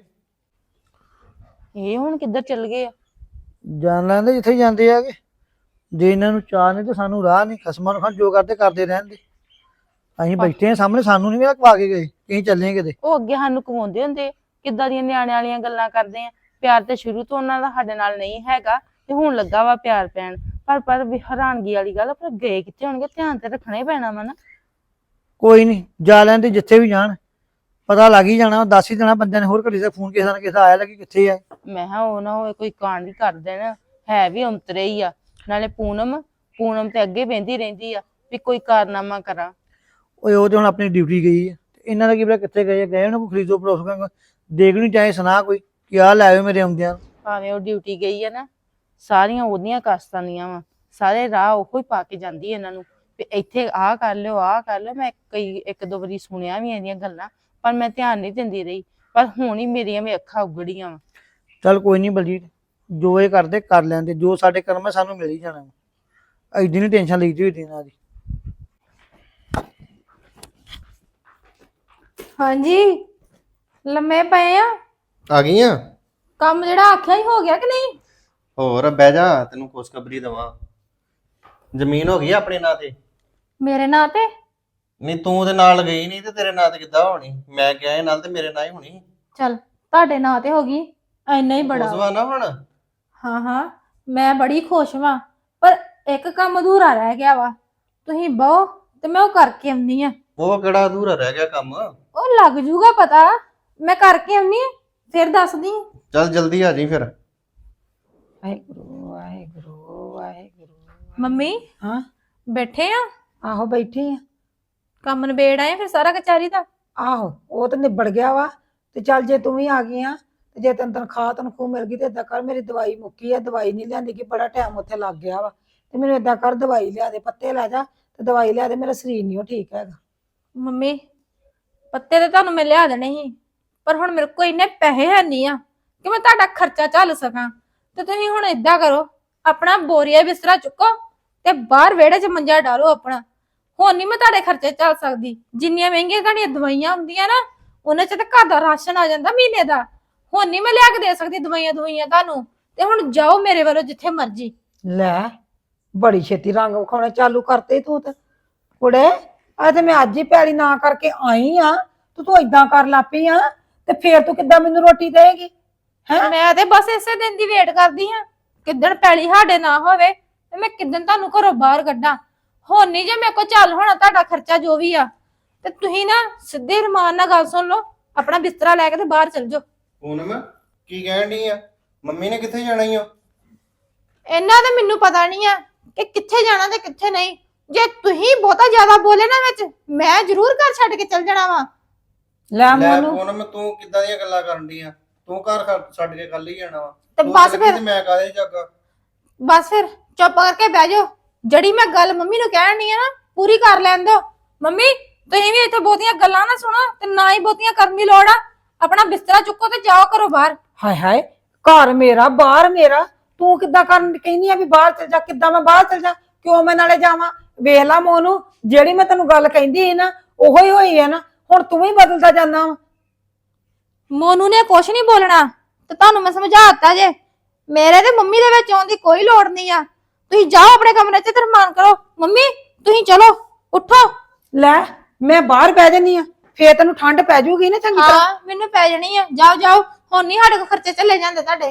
S4: ਇਹ ਹੁਣ ਕਿੱਧਰ ਚੱਲ ਗਏ ਆ?
S5: ਜਾਣ ਲੈਂਦੇ ਜਿੱਥੇ ਜਾਂਦੇ ਆਗੇ, ਜੇ ਇਹਨਾਂ ਨੂੰ ਚਾਹ ਨਹੀਂ ਤੇ ਸਾਨੂੰ ਰਾਹ ਨਹੀਂ। ਖਸਮਾਂ ਨੂੰ ਖਾਂ ਜੋ ਕਰਦੇ ਰਹਿੰਦੇ। ਅਸੀਂ ਬੈਠੇ ਆ ਸਾਹਮਣੇ, ਸਾਨੂੰ ਨਹੀਂ ਪਾ ਕੇ ਗਏ, ਕਹੀਂ ਚੱਲੇ ਕਿਤੇ।
S4: ਉਹ ਅੱਗੇ ਸਾਨੂੰ ਕਮਾਉਂਦੇ ਹੁੰਦੇ, ਕਿੱਦਾਂ ਦੀਆਂ ਨਿਆਣਿਆਂ ਵਾਲੀਆਂ ਗੱਲਾਂ ਕਰਦੇ ਆ। ਪਿਆਰ ਤੇ ਸ਼ੁਰੂ ਤੋਂ ਉਹਨਾਂ ਦਾ ਸਾਡੇ ਨਾਲ ਨਹੀਂ ਹੈਗਾ, ਤੇ ਹੁਣ ਲੱਗਾ ਵਾ ਪਿਆਰ ਪੈਣ। ਪਰ ਵੀ ਹੈਰਾਨਗੀ ਵਾਲੀ ਗੱਲ, ਪਰ ਗਏ ਕਿੱਥੇ ਹੋਣਗੇ, ਧਿਆਨ ਤੇ ਰੱਖਣਾ ਹੀ ਪੈਣਾ ਵਾ ਨਾ।
S5: ਕੋਈ ਨਹੀਂ, ਜਾ ਲੈਂਦੇ ਜਿੱਥੇ ਵੀ ਜਾਣ, ਪਤਾ ਲੱਗ ਹੀ ਜਾਣਾ, ਦੱਸ ਹੀ ਦੇਣਾ ਬੰਦਿਆਂ ਨੇ। ਹੋਰ ਘੜੀ ਦਾ ਫੋਨ ਕਿਸੇ ਦਾ ਆਇਆ ਲੱਗੀ ਕਿੱਥੇ ਆ।
S4: ਮੈਂ ਕਿਹਾ ਉਹ ਨਾ ਹੋਵੇ ਕੋਈ ਕਾਂਡ ਹੀ ਕਰ ਦੇਣ, ਹੈ ਵੀ ਅੰਤਰੇ ਹੀ ਆ। ਨਾਲੇ ਪੂਨਮ ਤੇ ਅੱਗੇ ਬਹਿੰਦੀ ਰਹਿੰਦੀ ਆ ਵੀ ਕੋਈ ਕਾਰਨਾਮਾ ਕਰਾਂ।
S5: ਉਹ ਤੇ ਹੁਣ ਆਪਣੀ ਡਿਊਟੀ ਗਈ ਹੈ, ਇਹਨਾਂ ਦਾ ਕੀ ਪਤਾ ਕਿੱਥੇ ਗਏ ਉਹਨਾਂ ਕੋਈ ਖਰੀਦੋ ਪਰੋਸ ਦੇਖ ਨਹੀਂ ਚਾਹੇ ਸੁਣਾ ਕੋਈ ਕਿ ਆਹ ਲੈ ਆਇਓ ਮੇਰੇ ਆਉਂਦਿਆਂ। ਭਾਵੇਂ
S4: ਉਹ ਡਿਊਟੀ ਗਈ ਆ ਨਾ, ਸਾਰੀਆਂ ਉਹਦੀਆਂ ਕਾਸਤਾਂ ਦੀਆਂ ਵਾ, ਸਾਰੇ ਰਾਹ ਉਹੋ ਹੀ ਪਾ ਕੇ ਜਾਂਦੀ ਇਹਨਾਂ ਨੂੰ ਵੀ ਇੱਥੇ ਆਹ ਕਰ ਲਿਓ। ਮੈਂ ਇੱਕ ਦੋ ਵਾਰੀ ਸੁਣਿਆ ਵੀ ਇਹਦੀਆਂ ਗੱਲਾਂ, ਪਰ ਮੈਂ ਧਿਆਨ ਨਹੀਂ ਦਿੰਦੀ ਰਹੀ। ਪਰ ਹੁਣ ਹੀ ਮੇਰੀਆਂ ਵੀ ਅੱਖਾਂ ਉਗੜੀਆਂ ਵਾ।
S5: ਚੱਲ ਕੋਈ ਨਹੀਂ ਬਲਜੀਤ, ਜੋ ਇਹ ਕਰਦੇ ਕਰ ਲੈਂਦੇ, ਜੋ ਸਾਡੇ ਕਰਮ ਹੈ ਸਾਨੂੰ ਮਿਲ ਹੀ ਜਾਣਾ। ਐਡੀ ਨਹੀਂ ਟੈਨਸ਼ਨ ਲਈ ਦੀ ਇਹਨਾਂ ਦੀ।
S1: ਹਾਂਜੀ ਲੰਮੇ ਪਏ ਆ।
S2: ਆ ਗਈਆਂ?
S1: ਕੰਮ ਜਿਹੜਾ ਆਖਿਆ ਹੀ ਹੋ ਗਿਆ ਕਿ ਨਹੀਂ?
S2: ਹੋਰ ਬਹਿ ਜਾ, ਤੈਨੂੰ ਖੁਸ਼ਖਬਰੀ ਦਵਾਂ। ਜ਼ਮੀਨ ਹੋ ਗਈ ਆ ਆਪਣੇ ਨਾਂ ਤੇ।
S1: ਮੇਰੇ ਨਾਂ ਤੇ?
S2: ਨਹੀਂ ਤੂੰ ਉਹਦੇ ਨਾਲ ਗਈ ਨਹੀਂ ਤੇ ਤੇਰੇ ਨਾਂ ਤੇ ਕਿੱਦਾਂ ਹੋਣੀ? ਮੈਂ ਕਿਹਾ ਇਹ ਨਾਲ ਤੇ ਮੇਰੇ ਨਾਂ ਹੀ ਹੋਣੀ।
S1: ਚਲ ਤੁਹਾਡੇ ਨਾਂ ਤੇ ਹੋ ਗਈ, ਇੰਨਾ ਹੀ ਬੜਾ।
S2: ਉਸ ਵਾ ਨਾ ਹੁਣ।
S1: ਹਾਂ ਹਾਂ ਮੈਂ ਬੜੀ ਖੁਸ਼ ਵਾਂ, ਪਰ ਇੱਕ ਕੰਮ ਅਧੂਰਾ ਰਹਿ ਗਿਆ ਵਾ। ਤੁਸੀਂ ਬਹੁ ਤੇ ਮੈਂ ਉਹ ਕਰਕੇ ਆਉਣੀ ਆ।
S2: ਉਹ ਕਿਹੜਾ ਅਧੂਰਾ ਰਹਿ ਗਿਆ ਕੰਮ?
S1: ਉਹ ਲੱਗ ਜੂਗਾ ਪਤਾ, ਮੈਂ ਕਰਕੇ ਆਉਣੀ ਆ ਫਿਰ ਦੱਸਦੀ ਆਂ।
S2: ਚੱਲ ਜਲਦੀ ਆ ਜੀ ਫਿਰ।
S3: ਵਾਹਿਗੁਰੂ ਵਾਹਿਗੁਰੂ ਵਾਹਿਗੁਰੂ।
S1: ਮੰਮੀ
S3: ਹਾਂ
S1: ਬੈਠੇ ਆ?
S3: ਆਹੋ ਬੈਠੀ ਆ।
S1: ਕੰਮ ਨਿਬੇੜ ਆਏ ਫਿਰ ਸਾਰਾ ਕਚਹਿਰੀ ਦਾ?
S3: ਆਹੋ ਉਹ ਤਾਂ ਨਿਬੜ ਗਿਆ ਵਾ। ਤੇ ਚੱਲ ਜੇ ਤੂੰ ਵੀ ਆ ਗਈ ਆ ਤੇ ਜੇ ਤੈਨੂੰ ਤਨਖਾਹ ਮਿਲ ਗਈ ਤੇ ਏਦਾਂ ਕਰ, ਮੇਰੀ ਦਵਾਈ ਮੁੱਕੀ ਆ, ਦਵਾਈ ਨਹੀਂ ਲਿਆਂਦੀ ਕਿ ਬੜਾ ਟਾਈਮ ਉੱਥੇ ਲੱਗ ਗਿਆ ਵਾ। ਤੇ ਮੈਨੂੰ ਏਦਾਂ ਕਰ, ਦਵਾਈ ਲਿਆ ਦੇ, ਪੱਤੇ ਲੈ ਜਾ ਤੇ ਦਵਾਈ ਲਿਆ ਦੇ, ਮੇਰਾ ਸਰੀਰ ਨਹੀਂ ਉਹ ਠੀਕ ਹੈਗਾ।
S1: ਮੰਮੀ ਪੱਤੇ ਤੇ ਤੁਹਾਨੂੰ ਮੈਂ ਲਿਆ ਦੇਣੇ ਸੀ, ਪਰ ਹੁਣ ਮੇਰੇ ਕੋਲ ਇੰਨੇ ਪੈਸੇ ਹੈ ਨਹੀਂ ਆ ਕਿ ਮੈਂ ਤੁਹਾਡਾ ਖਰਚਾ ਝੱਲ ਸਕਾਂ। ਤੇ ਤੁਸੀਂ ਹੁਣ ਏਦਾਂ ਕਰੋ, ਆਪਣਾ ਬੋਰੀਆ ਬਿਸਤਰਾ ਚੁੱਕੋ ਤੇ ਬਾਹਰ ਵਿਹੜੇ 'ਚ ਮੰਜਾ ਡਾਲੋ ਆਪਣਾ। ਹੁਣ ਨਹੀਂ ਮੈਂ ਤੁਹਾਡੇ ਖਰਚੇ ਝੱਲ ਸਕਦੀ। ਜਿੰਨੀਆਂ ਮਹਿੰਗੀਆਂ ਤੁਹਾਡੀਆਂ ਦਵਾਈਆਂ ਹੁੰਦੀਆਂ ਨਾ, ਉਹਨਾਂ 'ਚ ਤਾਂ ਘਰ ਦਾ ਰਾਸ਼ਨ ਆ ਜਾਂਦਾ ਮਹੀਨੇ ਦਾ। ਹੁਣ ਨਹੀਂ ਮੈਂ ਲਿਆ ਕੇ ਦੇ ਸਕਦੀ ਦਵਾਈਆਂ ਤੁਹਾਨੂੰ। ਤੇ ਹੁਣ ਜਾਓ ਮੇਰੇ ਵੱਲੋਂ ਜਿੱਥੇ ਮਰਜ਼ੀ।
S3: ਲੈ ਬੜੀ ਛੇਤੀ ਰੰਗ ਵਿਖਾਉਣੇ ਚਾਲੂ ਕਰਤੇ ਤੂੰ ਤੇ ਕੁੜੇ। ਆ ਤੇ ਮੈਂ ਅੱਜ ਹੀ ਪੈਲੀ ਨਾ ਕਰਕੇ ਆਈ ਆ, ਤੂੰ ਏਦਾਂ ਕਰ ਲਾਪੀ ਆ ਤੇ ਫੇਰ ਤੂੰ ਕਿੱਦਾਂ ਮੈਨੂੰ ਰੋਟੀ ਦੇਏਗੀ? ਹੈ
S1: ਮੈਂ ਤੇ ਬਸ ਇਸੇ ਦਿਨ ਦੀ ਵੇਟ ਕਰਦੀ ਹਾਂ, ਕਿੱਦਣ ਪੈਲੀ ਸਾਡੇ ਨਾ ਹੋਵੇ ਤੇ ਮੈਂ ਕਿੱਦਣ ਤੁਹਾਨੂੰ ਘਰੋਂ ਬਾਹਰ ਕੱਢਾਂ। ਹੁਣ ਨਹੀਂ ਜੇ ਮੇਰੇ ਕੋਲ ਚੱਲ ਹੋਣਾ ਤੁਹਾਡਾ ਖਰਚਾ ਜੋ ਵੀ ਆ। ਤੇ ਤੁਸੀਂ ਨਾ ਸਿੱਧੇ ਰਮਾਨ ਨਾਲ ਗੱਲ ਸੁਣ ਲਓ, ਆਪਣਾ ਬਿਸਤਰਾ ਲੈ ਕੇ ਤੇ ਬਾਹਰ ਚਲ ਜਾਓ।
S2: ਪੂਨਮ ਕੀ ਕਹਿਣ ਡਈ ਆ? ਮੰਮੀ ਨੇ ਕਿੱਥੇ ਜਾਣਾ ਈ ਓ?
S1: ਇਹਨਾਂ ਦਾ ਮੈਨੂੰ ਪਤਾ ਨਹੀਂ ਆ ਕਿ ਕਿੱਥੇ ਜਾਣਾ ਤੇ ਕਿੱਥੇ ਨਹੀਂ। ਜੇ ਤੁਸੀਂ ਬਹੁਤਾ ਜ਼ਿਆਦਾ ਬੋਲੇ ਨਾ ਵਿੱਚ, ਮੈਂ ਜ਼ਰੂਰ ਘਰ ਛੱਡ ਕੇ ਚਲ ਜਾਣਾ ਵਾ।
S3: ਲੈ
S2: ਲੈ
S3: ਮੋਨੂੰ
S2: ਪੂਨਮ ਤੂੰ ਕਿੱਦਾਂ ਦੀਆਂ ਗੱਲਾਂ ਕਰਨ ਡਈ ਆ? ਤੂੰ ਘਰ ਛੱਡ ਕੇ ਕੱਲ ਹੀ ਜਾਣਾ ਵਾ?
S1: ਤੇ
S2: ਤੂੰ
S1: ਬਸ
S2: ਚੱਲ ਗਈ
S1: ਫਿਰ
S2: ਤੇ ਮੈਂ ਕਾਹਦੇ ਜਾਗਾ?
S1: ਬਸ ਫਿਰ ਚੁੱਪ ਕਰਕੇ ਬਹਿ ਜਾਓ। ਜਿਹੜੀ ਮੈਂ ਗੱਲ ਮੰਮੀ ਨੂੰ ਕਹਿਣ ਡਈ ਆ ਨਾ, ਪੂਰੀ ਕਰ ਲੈਣ ਦਿਓ। ਮੰਮੀ ਤੁਸੀਂ ਵੀ ਇੱਥੇ ਬਹੁਤੀਆਂ ਗੱਲਾਂ ਨਾ ਸੁਣੋ ਤੇ ਨਾ ਹੀ ਬਹੁਤੀਆਂ ਕਰਨ ਦੀ ਲੋੜ ਆ। ਆਪਣਾ ਬਿਸਤਰਾ ਚੁੱਕੋ ਤੇ ਜਾਓ ਘਰੋਂ ਬਾਹਰ।
S3: ਹਾਏ ਹਾਏ, ਘਰ ਮੇਰਾ ਬਾਹਰ ਮੇਰਾ, ਤੂੰ ਕਿੱਦਾਂ ਕਰਨ ਕਹਿੰਦੀ ਆ ਵੀ ਬਾਹਰ ਚਲ ਜਾ? ਕਿੱਦਾਂ ਮੈਂ ਬਾਹਰ ਚਲ ਜਾ? ਕਿਉਂ ਮੈਂ ਨਾਲੇ ਜਾਵਾਂ? ਵੇਖ ਲਾ ਮੋਨੂੰ, ਜਿਹੜੀ ਮੈਂ ਤੈਨੂੰ ਗੱਲ ਕਹਿੰਦੀ ਸੀ ਨਾ ਉਹੋ ਹੀ ਹੋਈ ਹੈ ਨਾ। ਹੁਣ ਤੂੰ ਵੀ ਬਦਲਦਾ ਜਾਂਦਾ ਵਾ।
S1: ਮੋਨੂ ਨੇ ਕੁਛ ਨਹੀਂ ਬੋਲਣਾ ਤੇ ਤੁਹਾਨੂੰ ਮੈਂ ਸਮਝਾਤਾ ਜੇ। ਮੇਰੇ ਤੇ ਮੰਮੀ ਦੇ ਵਿੱਚ ਆਉਣ ਦੀ ਕੋਈ ਲੋੜ ਨਹੀਂ ਆ। ਤੁਸੀਂ ਜਾਓ ਆਪਣੇ ਕਮਰੇ 'ਚ ਤੇ ਰਮਾਨ ਕਰੋ। ਮੰਮੀ ਤੁਸੀਂ ਚਲੋ, ਉੱਠੋ।
S3: ਲੈ ਮੈਂ ਬਾਹਰ ਬਹਿ ਜਾਨੀ ਆ, ਫੇਰ ਤੈਨੂੰ ਠੰਡ ਪੈ ਜਾਊਗੀ ਨਾ ਚੰਗੀ ਤਰ੍ਹਾਂ।
S1: ਹਾਂ ਮੈਨੂੰ ਪੈ ਜਾਣੀ ਆ। ਜਾਓ ਜਾਓ, ਹੁਣ ਨਹੀਂ ਸਾਡੇ ਕੋਲ ਖਰਚੇ ਚੱਲੇ ਜਾਂਦੇ ਤੁਹਾਡੇ।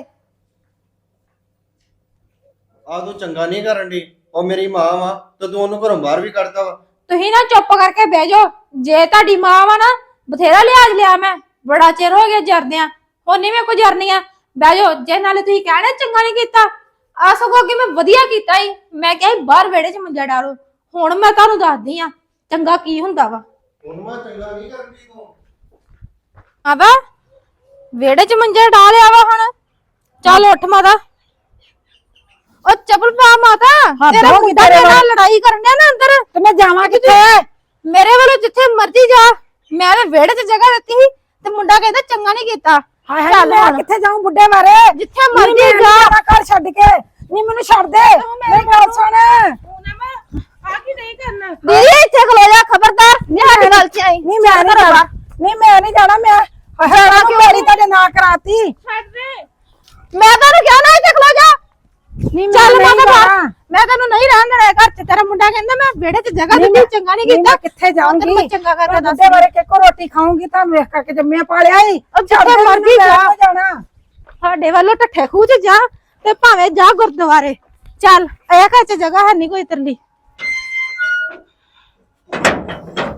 S2: ਆ ਤੂੰ ਚੰਗਾ ਨਹੀਂ ਕਰਨ ਡਈ। ਉਹ ਮੇਰੀ ਮਾਂ ਵਾ ਤੇ ਤੂੰ ਉਹਨੂੰ ਘਰੋਂ ਬਾਹਰ ਵੀ ਕੱਢਦਾ ਵਾ।
S1: ਤੁਸੀਂ ਨਾ ਚੁੱਪ ਕਰਕੇ ਬਹਿ ਜਾਓ। ਜੇ ਤੁਹਾਡੀ ਮਾਂ ਵਾ ਨਾ, ਬਥੇਰਾ ਲਿਹਾਜ਼ ਲਿਆ ਮੈਂ, ਬੜਾ ਚਿਰ ਹੋ ਗਿਆ ਜਰਦਿਆਂ। ਹੁਣ ਨਹੀਂ ਮੈਂ ਕੋਈ ਜਰਨੀ ਆ। ਬਹਿ ਜਾਓ। ਜੇ ਨਾਲੇ ਤੁਸੀਂ ਕਹਿਣਾ ਚੰਗਾ ਨਹੀਂ ਕੀਤਾ, ਆ ਸਗੋਂ ਅੱਗੇ ਮੈਂ ਵਧੀਆ ਕੀਤਾ ਹੀ। ਮੈਂ ਕਿਹਾ ਸੀ ਬਾਹਰ ਵਿਹੜੇ 'ਚ ਮੰਜਾ ਡਾਲੋ। ਹੁਣ ਮੈਂ ਤੁਹਾਨੂੰ ਦੱਸਦੀ ਆ ਚੰਗਾ ਕੀ ਹੁੰਦਾ ਵਾ।
S2: ਉਹਨੂੰ ਮੈਂ ਚੰਗਾ ਨਹੀਂ ਕਰਨ ਡਈ ਤੂੰ।
S1: ਆਵਾ ਵਿਹੜੇ 'ਚ ਮੰਜਾ ਡਾ ਲਿਆ ਵਾ। ਹੁਣ ਚੱਲ ਉੱਠ ਮਾਤਾ। ਉਹ ਚੱਪਲ ਪਾ ਮਾਤਾ। ਤੇਰਾ
S3: ਹੋ ਗਈ
S1: ਮੁੰਡਾ
S3: ਤੇਰੇ
S1: ਮੇਰੇ ਨਾਲ
S3: ਨਾਲ।
S1: ਲੜਾਈ ਕਰਨ ਡਿਆ ਨਾ ਅੰਦਰ।
S3: ਤੇ ਮੈਂ ਜਾਵਾਂ ਕਿੱਥੇ?
S1: ਮੇਰੇ ਵੱਲੋਂ ਜਿੱਥੇ ਮਰਜ਼ੀ ਜਾ। ਮੈਂ ਤੇ ਵਿਹੜੇ 'ਚ ਜਗ੍ਹਾ ਦਿੱਤੀ ਸੀ ਤੇ ਮੁੰਡਾ ਕਹਿੰਦਾ ਚੰਗਾ ਨਹੀਂ ਕੀਤਾ।
S3: ਹਾਏ ਹਾਏ,
S1: ਚੱਲ
S3: ਮੈਂ
S1: ਹੁਣ।
S3: ਕਿੱਥੇ ਜਾਊਂ ਬੁੱਢੇ ਮਾਰੇ?
S1: ਜਿੱਥੇ ਮਰਜ਼ੀ ਜਾ।
S3: ਘਰ ਛੱਡ ਕੇ ਨਹੀਂ, ਮੈਨੂੰ ਛੱਡ ਦੇ। ਮੇਰੀ ਗੱਲ ਸੁਣ।
S4: ਆ ਕੀ ਨਹੀਂ ਕਰਨਾ?
S1: ਦੀਦੀ ਇੱਥੇ ਖਲੋ ਜਾ, ਖਬਰਦਾਰ ਨਹੀਂ ਸਾਡੇ ਗੱਲ 'ਚ ਆਈ।
S3: ਨਹੀਂ ਮੈਂ ਨਹੀਂ ਜਾਣਾ, ਨਹੀਂ ਮੈਂ ਨਹੀਂ ਜਾਣਾ। ਮੈਂ ਹਰਾ ਕਿ ਵਾਰੀ ਤੁਹਾਡੇ ਨਾਂ ਕਰਾਤੀ।
S4: ਛੱਡ ਦੇ।
S1: ਮੈਂ ਤੁਹਾਨੂੰ ਕਿਹਾ ਨਾ ਇੱਥੇ ਖਲੋ ਜਾ।
S3: ਨਹੀਂ
S1: ਚੱਲ
S3: ਮੈਂ
S1: ਮਾਤਾ
S3: ਨਹੀਂ
S1: ਬਾਹਰ।
S3: ਜਾਣਾ।
S1: ਮੈਂ ਤੈਨੂੰ ਨਹੀਂ ਰਹਿਣ ਦੇਣਾ ਘਰ 'ਚ। ਤੇਰਾ ਮੁੰਡਾ ਕਹਿੰਦਾ ਮੈਂ ਵਿਹੜੇ 'ਚ ਜਗ੍ਹਾ
S3: ਨਹੀਂ,
S1: ਦਿੱਤੀ, ਚੰਗਾ ਨਹੀਂ
S3: ਨਹੀਂ,
S1: ਕੀਤਾ।
S3: ਮੈਂ ਕਿੱਥੇ ਜਾਊਂਗੀ?
S1: ਤੈਨੂੰ ਮੈਂ ਚੰਗਾ ਕਰਕੇ ਦੱਸ।
S3: ਬੁੱਢੇ ਬਾਰੇ ਕਿੱਕੋ ਰੋਟੀ ਖਾਊਂਗੀ ਤਾਂ ਵੇਖ ਕਰਕੇ ਜੰਮਿਆ ਪਾਲਿਆ ਹੀ।
S1: ਜਿੱਥੇ ਮਰਜ਼ੀ ਜਾ।
S3: ਜਾਣਾ।
S1: ਸਾਡੇ ਵੱਲੋਂ ਠੱਠੇ ਖੂਹ 'ਚ ਜਾ ਤੇ ਭਾਵੇਂ ਜਾ ਗੁਰਦੁਆਰੇ। ਚੱਲ ਇਹ ਘਰ 'ਚ ਜਗ੍ਹਾ ਹੈ ਨਹੀਂ ਕੋਈ ਤਰਲੀ।